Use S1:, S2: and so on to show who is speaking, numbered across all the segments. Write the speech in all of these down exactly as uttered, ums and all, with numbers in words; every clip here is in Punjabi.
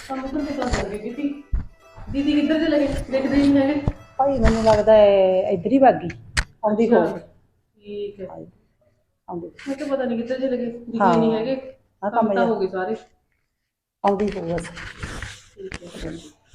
S1: हम उधर निकल जाएंगे दीदी। दीदी किधर चले गए? देखते ही नहीं है।
S2: ਭਾਈ ਮੈਨੂੰ ਲੱਗਦਾ ਹੈ ਇੱਧਰ ਹੀ ਵਗ ਗਈ ਆਉਂਦੀ ਹੋਊਗੀ
S1: ठीक है।
S2: ਆਉਂਦੀ
S1: मैं तो पता नहीं किधर चले गए, दिखे
S2: हाँ।
S1: नहीं है।
S2: हाँ,
S1: काम
S2: काम
S1: तो
S2: है।
S1: हो गए सारे।
S2: ਆਉਂਦੀ ਹੋਊ ਬਸ
S1: ठीक है।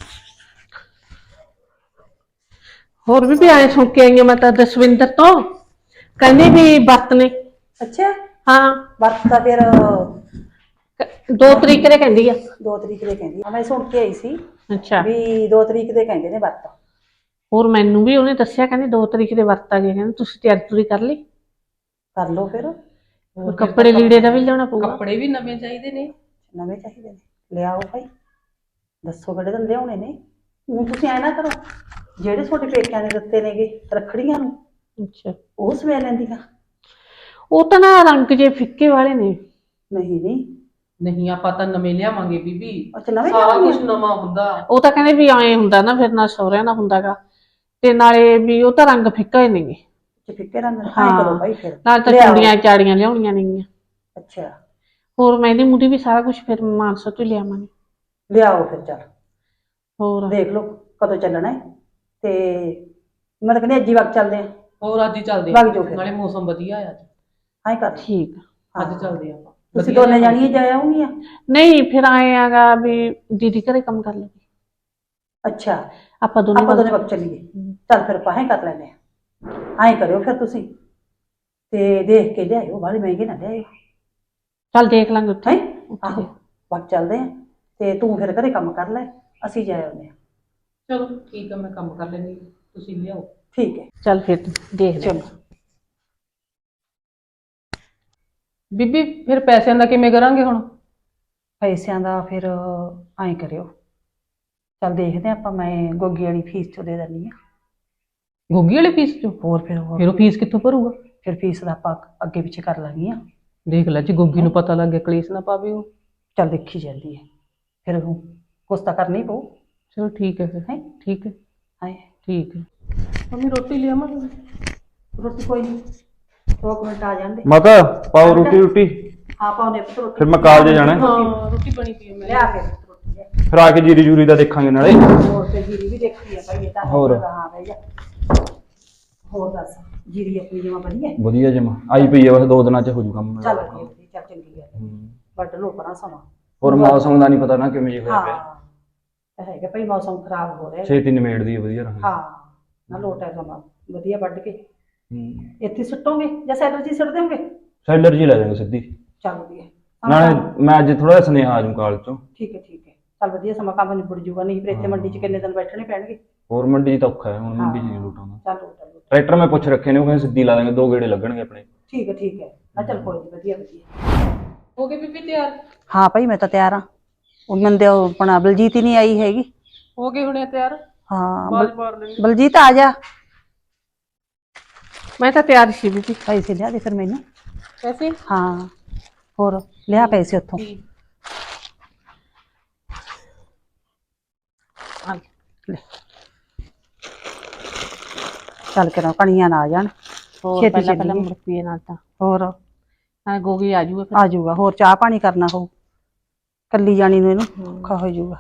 S3: ਹੋਰ ਵੀ ਆਏ ਸੁਣ ਕੇ ਆਈਆਂ ਮੈਂ ਤਾਂ ਦਸਵਿੰਦਰ ਤੋਂ ਕਹਿੰਦੇ ਵੀ ਵਰਤ ਨੇ।
S2: ਅੱਛਾ
S3: ਹਾਂ
S2: ਵਰਤ ਤਾਂ ਫਿਰ
S3: ਦੋ ਤਰੀਕ ਦੇ ਕਹਿੰਦੀ ਆ।
S2: ਦੋ ਤਰੀਕ ਦੇ ਕਹਿੰਦੀ ਆ। ਮੈਂ ਸੁਣ ਕੇ ਆਈ ਸੀ
S3: ਅੱਛਾ
S2: ਵੀ ਦੋ ਤਰੀਕ ਦੇ ਕਹਿੰਦੇ ਨੇ ਵਰਤ।
S3: ਹੋਰ ਮੈਨੂੰ ਵੀ ਉਹਨੇ ਦੱਸਿਆ ਕਹਿੰਦੇ ਦੋ ਤਰੀਕ ਦੇ ਵਰਤ ਆ ਗਏ, ਕਹਿੰਦੇ ਤੁਸੀਂ ਤਿਆਰੀ ਤੁਰੀ ਕਰ ਲਈ।
S2: ਕਰ ਲਓ ਫਿਰ
S1: और
S3: ਕੱਪੜੇ ਲੀੜੇ ਦਾ ਵੀ ਲਿਆਉਣਾ ਪਊਗਾ।
S1: कपड़े भी नवे चाहिए ने।
S2: ਨਵੇਂ ਚਾਹੀਦੇ ਨੇ ਲਿਆਓ ਭਾਈ ਦੱਸੋ ਕਿਹੜੇ ਦਿਨ ਲਿਆਉਣੇ ਨੇ। ਹੁਣ ਤੁਸੀਂ ਐ ਨਾ ਕਰੋ ਜਿਹੜੇ ਤੁਹਾਡੇ ਪੇਕਿਆਂ ਨੇ ਦਿੱਤੇ ਨੇਗੇ ਰੱਖੜੀਆਂ ਨੂੰ
S3: ਅੱਛਾ
S2: ਉਹ ਸਵੇ ਲੈਂਦੀਆਂ।
S3: ਉਹ ਤਾਂ ਨਾ ਰੰਗ ਜੇ ਫਿੱਕੇ ਵਾਲੇ ਨੇ।
S2: ਨਹੀਂ ਨਹੀਂ
S1: नहीं ਆਪਾਂ ਤਾਂ ਨਵੇਂ ਲਿਆਵਾਂਗੇ ਬੀਬੀ।
S2: ਅੱਛਾ ਨਵੇਂ
S1: ਸਾਰਾ
S2: ਲਿਆਉਣੇ
S1: ਕੁਝ ਨਵਾਂ ਹੁੰਦਾ।
S3: ਉਹ ਤਾਂ ਕਹਿੰਦੇ ਵੀ ਐਂ ਹੁੰਦਾ ਨਾ ਫਿਰ ਨਾ ਸਹੁਰਿਆਂ ਦਾ ਹੁੰਦਾਗਾ ਤੇ ਨਾਲੇ ਵੀ ਉਹ ਤਾਂ ਰੰਗ ਫਿੱਕਾ ਹੀ ਨੇਗੇ।
S2: ਚ ਫਿੱਕੇ ਰੰਗ ਹਾਂ
S3: ਹਾਂ।
S2: ਕਰੋ ਭਾਈ ਫਿਰ
S3: ਨਾਲ ਤਾਂ
S2: ਲਿਆਓ।
S3: ਚੂੜੀਆਂ ਚਾੜੀਆਂ ਲਿਆਉਣੀਆਂ ਨੇਗੀਆਂ।
S2: ਅੱਛਾ
S3: ਹੋਰ ਮਹਿੰਦੀ ਮੁੰਦੀ ਵੀ ਸਾਰਾ ਕੁਝ ਫਿਰ ਮਾਨਸਾ ਤੋਂ ਲਿਆਵਾਂਗੇ।
S2: ਲਿਆਓ ਫਿਰ ਚੱਲ
S3: ਹੋਰ
S2: ਦੇਖ ਲਓ ਕਦੋਂ ਚੱਲਣਾ ਹੈ ਤੇ ਮੈਂ ਤਾਂ ਕਹਿੰਦੀ ਅੱਜ ਹੀ ਵਕਤ ਚੱਲਦੇ ਆ।
S1: ਹੋਰ ਅੱਜ ਹੀ ਚੱਲਦੇ
S2: ਵਗ ਜਾਓ ਫਿਰ।
S1: ਨਾਲੇ ਮੌਸਮ ਵਧੀਆ ਆ ਅੱਜ।
S2: ਹਾਂ ਕਰ ਲਓ।
S3: ਠੀਕ ਆ।
S1: ਅੱਜ ਚੱਲਦੇ ਆਪਾਂ।
S2: ਤੁਸੀਂ ਦੋਨੇ ਜਾਣੀਆਂ ਜਾ ਆਉਂਗੀਆਂ।
S3: ਨਹੀਂ ਫਿਰ ਆਏ ਆਗਾ ਵੀ ਦੀਦੀ ਘਰੇ ਕੰਮ ਕਰ ਲਵੇ।
S2: ਅੱਛਾ
S3: ਆਪਾਂ ਦੋਨੇ
S2: ਆਪਾਂ ਦੋਨੇ
S3: ਵਗ-
S2: ਵਕਤ ਚੱਲੀਏ। ਚੱਲ ਫਿਰ ਆਪਾਂ ਐਂ ਕਰ ਲੈਂਦੇ ਆ। ਐਂ ਕਰਿਓ ਫਿਰ ਤੁਸੀਂ ਤੇ ਦੇਖ ਕੇ ਲਿਆਇਓ ਬਾਹਲੇ ਮਹਿੰਗੇ ਨਾ ਲਿਆਇਓ।
S3: ਚੱਲ ਦੇਖ ਲਾਂਗੇ ਉੱਥੇ।
S2: ਹੈ
S3: ਉੱਥੇ
S2: ਆਹੋ
S3: ਦੇਖ।
S2: ਵਕਤ ਚੱਲਦੇ ਆ ਤੇ ਤੂੰ ਫਿਰ ਘਰੇ ਕੰਮ ਕਰ ਲੈ ਅਸੀਂ ਜਾ ਆਉਂਦੇ ਆ।
S1: ਚਲੋ ਠੀਕ ਆ, ਮੈਂ ਕੰਮ ਕਰ ਲੈਂਦੀ, ਤੁਸੀਂ ਲਿਆਓ।
S2: ਠੀਕ ਹੈ
S3: ਚੱਲ ਫਿਰ ਦੇਖ ਲੈ।
S2: ਚਲੋ
S1: ਬੀਬੀ ਫਿਰ ਪੈਸਿਆਂ ਦਾ ਕਿਵੇਂ ਕਰਾਂਗੇ ਹੁਣ?
S2: ਪੈਸਿਆਂ ਦਾ ਫਿਰ ਐਂ ਕਰਿਓ ਚੱਲ ਦੇਖਦੇ ਆ ਆਪਾਂ। ਮੈਂ ਗੋਗੀ ਵਾਲੀ ਫੀਸ ਚੋਂ ਦੇ ਦਿੰਦੀ ਆ।
S1: ਗੋਗੀ ਵਾਲੀ ਫੀਸ ਚੋਂ?
S2: ਹੋਰ ਫਿਰ ਹੋਰ
S1: ਫਿਰ ਉਹ ਫੀਸ ਕਿੱਥੋਂ ਭਰੂਗਾ?
S2: ਫਿਰ ਫੀਸ ਦਾ ਆਪਾਂ ਅੱਗੇ ਪਿੱਛੇ ਕਰ ਲਾਂਗੀਆਂ।
S1: ਦੇਖ ਲੈ ਜੀ, ਗੋਗੀ ਨੂੰ ਪਤਾ ਲੱਗ ਗਿਆ ਕਲੇਸ਼ ਨਾ ਪਾਵੇ ਉਹ।
S2: ਚੱਲ ਦੇਖੀ ਜਾਂਦੀ ਹੈ ਫਿਰ ਉਹ ਕੁਛ ਤਾਂ ਕਰਨਾ ਹੀ ਪਊ।
S1: ਚਲੋ ਠੀਕ ਹੈ ਫਿਰ।
S2: ਹੈ
S1: ਠੀਕ ਹੈ
S2: ਹਾਏ
S1: ਠੀਕ ਹੈ। ਮੰਮੀ ਰੋਟੀ ਲਿਆਵਾਂਗੇ?
S2: ਰੋਟੀ ਕੋਈ ਨਹੀਂ ਦੋ ਕੁ ਮਿੰਟ ਆ ਜਾਂਦੇ।
S4: ਮਾਤਾ ਪਾਓ ਰੋਟੀ ਰੋਟੀ
S2: ਹਾਂ ਪਾਉਨੇ ਪੁੱਤ ਰੋਟੀ।
S4: ਫਿਰ ਮੈਂ ਕਾਲਜ ਜਾਣਾ ਹੈ।
S1: ਹਾਂ ਰੋਟੀ ਬਣੀ ਪਈ ਹੈ ਮੈਂ।
S2: ਲਿਆ ਫਿਰ ਰੋਟੀ ਲਿਆ।
S4: ਫਿਰ ਆ ਕੇ ਜੀਰੀ ਜੂਰੀ ਦਾ ਦੇਖਾਂਗੇ ਨਾਲੇ।
S2: ਹੋਰ ਤੇ ਜੀਰੀ ਵੀ ਦੇਖੀ ਆ ਭਾਈ ਇਹ ਤਾਂ
S4: ਹੋਰ।
S2: ਹਾਂ ਬਈ ਜਾ। ਹੋਰ ਦੱਸ ਜੀਰੀ ਆਪਣੀ ਜਮਾ ਵਧੀਆ
S4: ਵਧੀਆ ਜਮਾ ਆਈ ਪਈ ਆ, ਬਸ ਦੋ ਦਿਨਾਂ ਚ ਹੋ ਜੂ ਕੰਮ।
S2: ਚੱਲ ਵਧੀਆ ਵਧੀਆ, ਚੱਲ ਚੰਗੀ ਗੱਲ ਹੈ।
S4: ਹੂੰ।
S2: ਵੱਢ ਲੋ ਪਰਾਂ ਸਮਾਂ।
S4: ਹੋਰ ਮੌਸਮ ਦਾ ਨਹੀਂ ਪਤਾ ਨਾ ਕਿਵੇਂ ਜਿਹਾ ਹੋਇਆ
S2: ਹਾਂ
S4: ਪਿਆ।
S2: ਤਾਂ ਹੈਗਾ ਭਾਈ ਮੌਸਮ ਖਰਾਬ ਹੋ ਰਿਹਾ।
S4: ਛੇਤੀ ਨਿਮੇੜਦੀ ਆ ਵਧੀਆ ਰਹਾਂਗੇ।
S2: ਹਾਂ ਨਾ ਲੋਟ ਹੈ ਸਮਾਂ ਵਧੀਆ ਵੱਢ ਕੇ
S4: ਹੂੰ।
S2: ਇੱਥੇ ਸੁੱਟੋਗੇ ਜਾਂ ਸੈਲਰ ਜੀ ਸੁੱਟ ਦੇਵੋਗੇ?
S4: ਸੈਲਰ ਜੀ ਲੈ ਜਾਵਾਂਗੇ ਸਿੱਧੀ।
S2: ਚੱਲ ਵਧੀਆ
S4: ਨਾਲੇ ਮੈਂ ਅੱਜ ਥੋੜਾ ਜਿਹਾ ਸੁਨੇਹਾ ਆ ਜੂ ਕਾਲਜ ਚੋਂ।
S2: ਠੀਕ ਹੈ ਠੀਕ ਹੈ ਚੱਲ ਵਧੀਆ ਸਮਾਂ ਕੰਮ ਨਿਬੜ ਜੂਗਾ। ਨਹੀਂ ਫਿਰ ਇੱਥੇ ਮੰਡੀ 'ਚ ਕਿੰਨੇ ਦਿਨ ਬੈਠਣੇ ਪੈਣਗੇ।
S4: ਹੋਰ ਮੰਡੀ 'ਚ ਤਾਂ ਔਖਾ ਹੈ ਹੁਣ, ਮੰਡੀ 'ਚ ਨਹੀਂ ਲੋਟ ਆਉਂਦਾ।
S2: ਚੱਲ ਲੋਟ ਹੈ, ਲੋਟ ਹੈ।
S4: ਟਰੈਕਟਰ ਮੈਂ ਪੁੱਛ ਰੱਖੇ ਨੇ, ਉਹ ਕਹਿੰਦੇ ਸਿੱਧੀ ਲਾ ਦਾਂਗੇ, ਦੋ ਗੇੜੇ ਲੱਗਣਗੇ ਆਪਣੇ।
S2: ਠੀਕ ਹੈ ਠੀਕ ਹੈ ਨਾ ਚੱਲ ਕੋਈ ਨਹੀਂ ਵਧੀਆ ਵਧੀਆ।
S1: ਹੋ ਗਏ ਬੀਬੀ ਤਿਆਰ?
S2: ਹਾਂ ਭਾਈ ਮੈਂ ਤਾਂ ਤਿਆਰ ਹਾਂ। ਉਹ ਮੰਦੇ ਆਪਣਾ ਬਲਜੀਤ ਹੀ ਨਹੀਂ ਆਈ ਹੈਗੀ।
S1: ਹੋ ਗਏ ਹੁਣੇ ਤਿਆਰ?
S2: ਹਾਂ
S1: ਬਾਜ
S2: ਬਲ-
S1: ਮਾਰ ਲੈਂਦੇ।
S2: ਬਲਜੀਤ ਆ ਜਾ।
S3: ਮੈਂ ਤਾਂ ਤਿਆਰ ਸੀ ਬੀਬੀ।
S2: ਪੈਸੇ ਲਿਆ ਦੇ ਫਿਰ ਮੈਨੂੰ।
S1: ਪੈਸੇ?
S2: ਹਾਂ ਹੋਰ ਲਿਆ ਪੈਸੇ ਉੱਥੋਂ।
S3: ਆ
S2: ਲੈ। ਚੱਲ ਕੇ ਨਾ ਕਣੀਆਂ ਨਾ ਆ ਜਾਣ।
S3: ਹੋਰ
S2: ਛੇਤੀ
S3: ਪਹਿਲਾਂ ਪਹਿਲਾਂ
S2: ਚੱਲੀਏ।
S3: ਮੁੜ ਪੀਏ ਨਾਲ ਤਾਂ
S2: ਹੋਰ
S3: ਨਾਲ ਗੋਗੀ ਆ ਜੂਗਾ ਫਿਰ।
S2: ਆ ਜਾਊਗਾ। ਹੋਰ ਚਾਹ ਪਾਣੀ ਕਰਨਾ ਹੋਊ ਕੱਲੀ ਜਾਣੀ ਨੂੰ ਇਹਨੂੰ ਔਖਾ ਹੋ ਜਾਊਗਾ।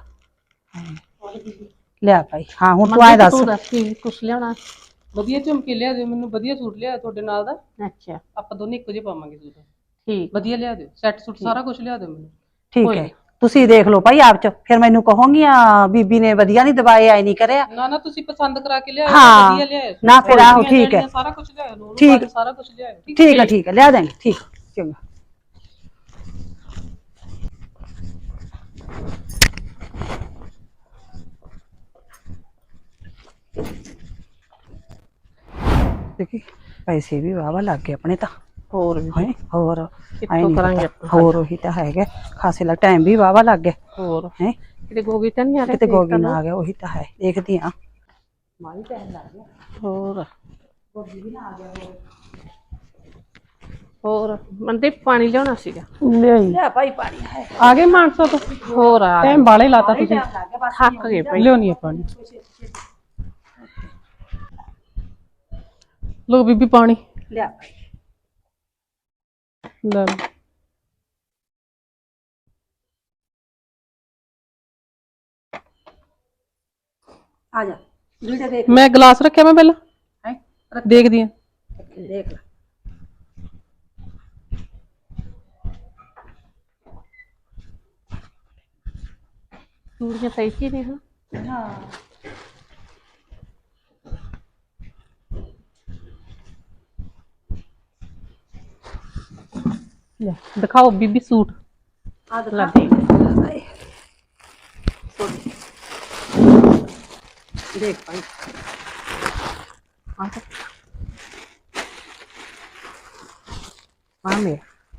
S2: ਲਿਆ ਭਾਈ। ਹਾਂ ਹੁਣ ਤੂੰ ਆਏ ਦੱਸ।
S3: ਤੂੰ ਦੱਸ ਕੀ ਕੁਛ ਲਿਆਉਣਾ?
S1: ਵਧੀਆ ਝੁਮਕੇ ਲਿਆ ਦਿਓ ਮੈਨੂੰ, ਵਧੀਆ ਸੂਟ ਲਿਆ ਤੁਹਾਡੇ ਨਾਲ ਦਾ।
S3: ਅੱਛਾ
S1: ਆਪਾਂ ਦੋਨੇ ਇੱਕੋ ਜਿਹੇ ਪਾਵਾਂਗੇ ਸੂਟ।
S3: ਠੀਕ
S1: ਵਧੀਆ ਲਿਆ ਦਿਓ, ਸੈੱਟ ਸੂਟ ਸਾਰਾ ਕੁਝ ਲਿਆ ਦਿਓ ਮੈਨੂੰ।
S2: ਠੀਕ
S3: ਕੋਈ
S2: ਹੈ ਤੁਸੀਂ ਦੇਖ ਲਓ ਭਾਈ ਆਪ ਚ ਫਿਰ ਮੈਨੂੰ ਕਹੋਗੀਆਂ ਬੀਬੀ ਨੇ ਵਧੀਆ ਨਹੀਂ ਦਵਾਏ ਆਏ ਨਹੀਂ ਕਰਿਆ।
S1: ਨਾ ਨਾ ਤੁਸੀਂ ਪਸੰਦ ਕਰਾ ਕੇ ਲਿਆਓ,
S2: ਹਾਂ।
S1: ਵਧੀਆ ਲਿਆਓ।
S2: ਨਾ ਫਿਰ ਆਹੋ ਠੀਕ ਹੈ
S1: ਸਾਰਾ ਕੁਝ ਲਿਆਓ, ਉਹਨੂੰ
S2: ਠੀਕ।
S1: ਬਾਅਦ ਸਾਰਾ ਕੁਝ ਲਿਆਓ।
S2: ਠੀਕ ਹੈ ਠੀਕ ਹੈ ਲਿਆ ਦੇਂਗੇ। ਠੀਕ ਚੰਗਾ। ਦੇਖੀ ਪੈਸੇ ਵੀ ਵਾਵਾ ਲੱਗ ਗਏ ਆਪਣੇ ਤਾਂ।
S3: ਹੋਰ ਵੀ
S2: ਹੈ ਹੋਰ
S3: ਕਿੱਥੋਂ
S2: ਐਂ ਨੀ
S3: ਕਰਾਂਗੇ
S2: ਪਤਾ।
S3: ਆਪਾਂ?
S2: ਹੋਰ ਉਹੀ ਤਾਂ ਹੈਗਾ ਖਾਸੇ ਲੱਗ ਟਾਈਮ ਵੀ ਵਾਵਾ ਲੱਗ ਗਿਆ
S3: ਹੋਰ
S2: ਹੈ।
S3: ਕਿਤੇ ਗੋਗੀ ਤਾਂ ਨਹੀਂ ਆ ਰਿਹਾ?
S2: ਕਿਤੇ ਗੋਗੀ ਨਾ ਆ ਗਿਆ ਉਹੀ ਤਾਂ ਹੈ ਦੇਖਦੀ ਆ। ਮਾਲੀ ਟਾਈਮ ਲੱਗ ਗਿਆ।
S3: ਹੋਰ
S2: ਗੋਗੀ ਵੀ ਨਾ ਆ ਗਿਆ। ਹੋਰ
S3: ਹੋਰ ਮੰਦੇ ਪਾਣੀ ਲਿਆਉਣਾ ਸੀਗਾ।
S1: ਲਿਆਈ
S2: ਲਿਆ ਭਾਈ ਪਾਣੀ ਹੈ।
S1: ਆ ਗਏ ਮਾਨਸਾ ਤੋਂ?
S3: ਹੋਰ ਆ
S1: ਟਾਈਮ ਬਾਲੇ ਲਾਤਾ ਤੁਸੀਂ।
S2: ਟਾਈਮ ਲੱਗ ਗਿਆ ਬਸ।
S3: ਥੱਕ ਗਏ ਭਾਈ।
S1: ਲਿਆਉਣੀ ਆ ਪਾਣੀ। ਲੋ ਬੀਬੀ ਪਾਣੀ
S2: ਲਿਆ
S1: ਲੈ ਲਓ।
S2: ਆ ਜਾ ਵੀਡੀਓ ਦੇਖ
S3: ਮੈਂ ਗਲਾਸ ਰੱਖਿਆ ਮੈਂ ਪਹਿਲਾਂ
S2: ਹੈ
S3: ਦੇਖਦੀ ਆ।
S2: ਦੇਖ ਲੈ
S3: ਚੂੜੀਆਂ ਸਹੀ ਸੀ ਨੇ ਹਾਂ।
S2: ਹਾਂ
S3: ਲੈ ਦਿਖਾਓ ਬੀਬੀ ਸੂਟ।
S2: ਆ
S3: ਲੈ
S2: ਦਿਖਾ
S3: ਦੇਖ।
S2: ਦੇਖ ਭਾਈ
S3: ਆ ਤਾਂ ਆ ਮੇ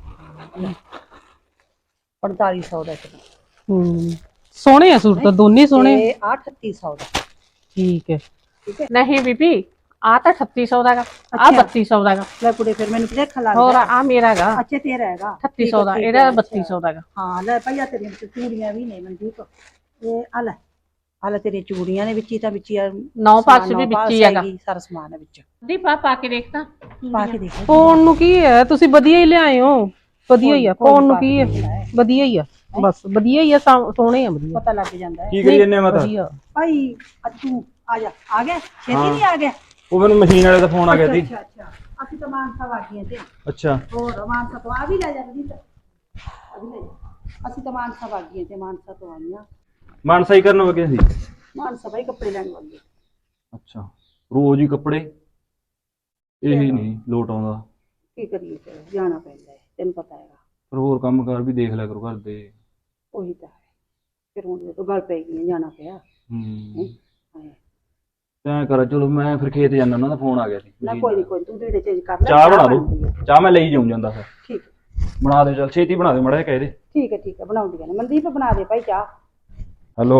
S2: ਪੰਤਾਲੀ ਸੌ ਦਾ ਕਿਲੋ
S3: ਹੂੰ ਸੋਹਣੇ ਆ ਸੂਟ ਤਾਂ ਦੋਨੇ ਸੋਹਣੇ।
S2: ਤੇ ਆ ਅਠੱਤੀ ਸੌ ਦਾ
S3: ਠੀਕ ਹੈ।
S2: ਠੀਕ ਹੈ
S3: ਨਹੀਂ ਬੀਬੀ ਆ ਤਾਂ ਅਠੱਤੀ ਸੌ ਦਾ ਗਾ, ਆ
S2: ਅੱਛਾ।
S3: ਬੱਤੀ ਸੌ ਦਾ ਗਾ।
S2: ਲੈ ਕੁੜੇ ਫਿਰ ਮੈਨੂੰ ਭੁਲੇਖਾ
S3: ਹੋਰ
S2: ਲੱਗਦਾ।
S3: ਆ ਮੇਰਾ ਗਾ
S2: ਅੱਛਾ ਤੇਰਾ ਹੈਗਾ
S3: ਅਠੱਤੀ ਸੌ ਦਾ, ਇਹਦਾ ਬੱਤੀ ਸੌ ਦਾ ਗਾ।
S2: ਹਾਂ ਲੈ ਭਈਆ ਤੇਰੀਆਂ ਚੂੜੀਆਂ ਵੀ ਨੇ ਮਨਦੀਪ। ਇਹ ਆ ਲੈ ਆ ਲੈ ਤੇਰੀਆਂ ਚੂੜੀਆਂ ਨੇ ਵਿੱਚ ਹੀ ਤਾਂ ਵਿੱਚ ਹੀ
S3: ਨੌ ਪਾਸ ਵੀ ਵਿੱਚ ਹੀ ਹੈਗਾ।
S2: ਸਾਰਾ ਸਮਾਨ ਹੈ ਵਿੱਚ
S3: ਦੀ ਪਾ ਪਾ ਕੇ ਦੇਖ ਤਾਂ
S2: ਪਾ ਕੇ ਦੇਖ
S3: ਪਾਉਣ ਨੂੰ ਕੀ ਹੈ, ਤੁਸੀਂ ਵਧੀਆ ਹੀ ਲਿਆਏ ਹੋ। ਵਧੀਆ ਹੀ ਆ ਪਾਉਣ ਨੂੰ ਕੀ ਹੈ, ਵਧੀਆ ਹੀ ਆ ਬਸ ਵਧੀਆ ਹੀ ਆ ਸਾ- ਸੋਹਣੇ ਆ ਵਧੀਆ
S2: ਪਤਾ ਲੱਗ ਜਾਂਦਾ ਹੈ
S4: ਕੀ ਕਰੀ ਜੰਨੇ ਮਾਤਾ?
S3: ਵਧੀਆ।
S2: ਭਾਈ ਅੱਛੂ ਆ ਜਾ ਆ ਗਿਆ ਛੇਤੀ ਨਹੀਂ ਆ ਗਿਆ।
S4: ਉਹ ਮੈਨੂੰ ਮਸ਼ੀਨ ਵਾਲੇ ਦਾ ਫੋਨ ਆ ਗਿਆ ਸੀ।
S2: ਅੱਛਾ ਅੱਛਾ ਅਸੀਂ ਤਾਂ ਮਾਨਸਾ ਵਾਗੀਆਂ ਤੇ
S4: ਅੱਛਾ
S2: ਹੋਰ ਮਾਨਸਾ ਤੋਂ ਆ ਵੀ ਲੈ ਜਾਂਦੀ ਤਾਂ ਆ ਵੀ ਲੈ ਜਾ। ਅਸੀਂ ਤਾਂ ਮਾਨਸਾ ਵਾਗੀਆਂ ਤੇ ਮਾਨਸਾ ਤੋਂ ਆਈਆਂ।
S4: ਮਾਨਸਾ ਹੀ ਕਰਨ ਵਗੇ ਸੀ।
S2: ਮਾਨਸਾ ਭਾਈ ਕੱਪੜੇ ਲੈਣ ਵਾਗੇ।
S4: ਅੱਛਾ ਰੋਜ਼ ਹੀ ਕੱਪੜੇ ਇਹ ਨਹੀਂ ਲੋਟ ਆਉਂਦਾ।
S2: ਕੀ ਕਰੀਏ ਫਿਰ ਜਾਣਾ ਪੈਂਦਾ ਹੈ ਤੈਨੂੰ ਪਤਾ ਹੈਗਾ।
S4: ਪਰ ਹੋਰ ਕੰਮ ਕਾਰ ਵੀ ਦੇਖ ਲਿਆ ਕਰੋ ਘਰ ਦੇ।
S2: ਉਹੀ ਤਾਂ ਹੈ ਫਿਰ ਹੁਣ ਜਦੋਂ ਗੱਲ ਪੈ ਗਈ ਜਾਣਾ ਪਿਆ।
S4: ਹੂੰ
S2: ਹਾਂ।
S4: ਤੈਂ ਕਰ ਚਲੋ ਮੈਂ ਫਿਰ ਖੇਤ ਜਾਣਾ, ਉਹਨਾਂ ਦਾ ਫੋਨ ਆ ਗਿਆ ਸੀ।
S2: ਨਾ ਕੋਈ ਨਹੀਂ ਕੋਈ ਨੀ, ਤੂੰ ਜਿਹੜੇ ਚੇਂਜ ਕਰ ਲੈ।
S4: ਚਾਹ ਬਣਾ ਦੋ,
S2: ਬਣਦੀ ਹੈ।
S4: ਚਾਹ ਮੈਂ ਲਈ ਜਾਉਂ ਜਾਂਦਾ ਫਿਰ।
S2: ਠੀਕ
S4: ਬਣਾ ਦੇ ਚੱਲ ਛੇਤੀ ਬਣਾ ਦੇ ਮੜਾ ਜਿਹਾ ਕਹਿ ਦੇ।
S2: ਠੀਕ ਹੈ ਠੀਕ ਹੈ ਬਣਾਉਂਦੀਆਂ ਨੇ ਮਨਦੀਪ ਬਣਾ ਦੇ ਭਾਈ ਚਾਹ।
S4: ਹੈਲੋ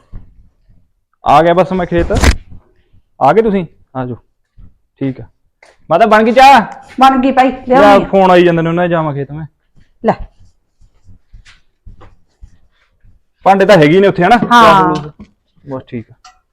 S4: ਆ ਗਿਆ ਬਸ ਮੈਂ ਖੇਤ। ਆ ਗਏ ਤੁਸੀਂ? ਆ ਜਾਓ ਠੀਕ ਆ। ਮਾਤਾ ਬਣ ਗਈ ਚਾਹ?
S2: ਬਣ ਗਈ ਭਾਈ
S4: ਯਾਰ
S2: ਲਿਆਉਣੀ ਆ।
S4: ਫੋਨ ਆਈ ਜਾਂਦੇ ਨੇ ਉਹਨਾਂ ਦੇ, ਜਾਵਾਂ ਖੇਤ ਮੈਂ।
S2: ਲੈ
S4: ਭਾਂਡੇ ਤਾਂ ਹੈਗੇ ਨੇ ਉੱਥੇ ਹਨਾ?
S2: ਹਾਂ।
S4: ਬਸ ਠੀਕ ਆ।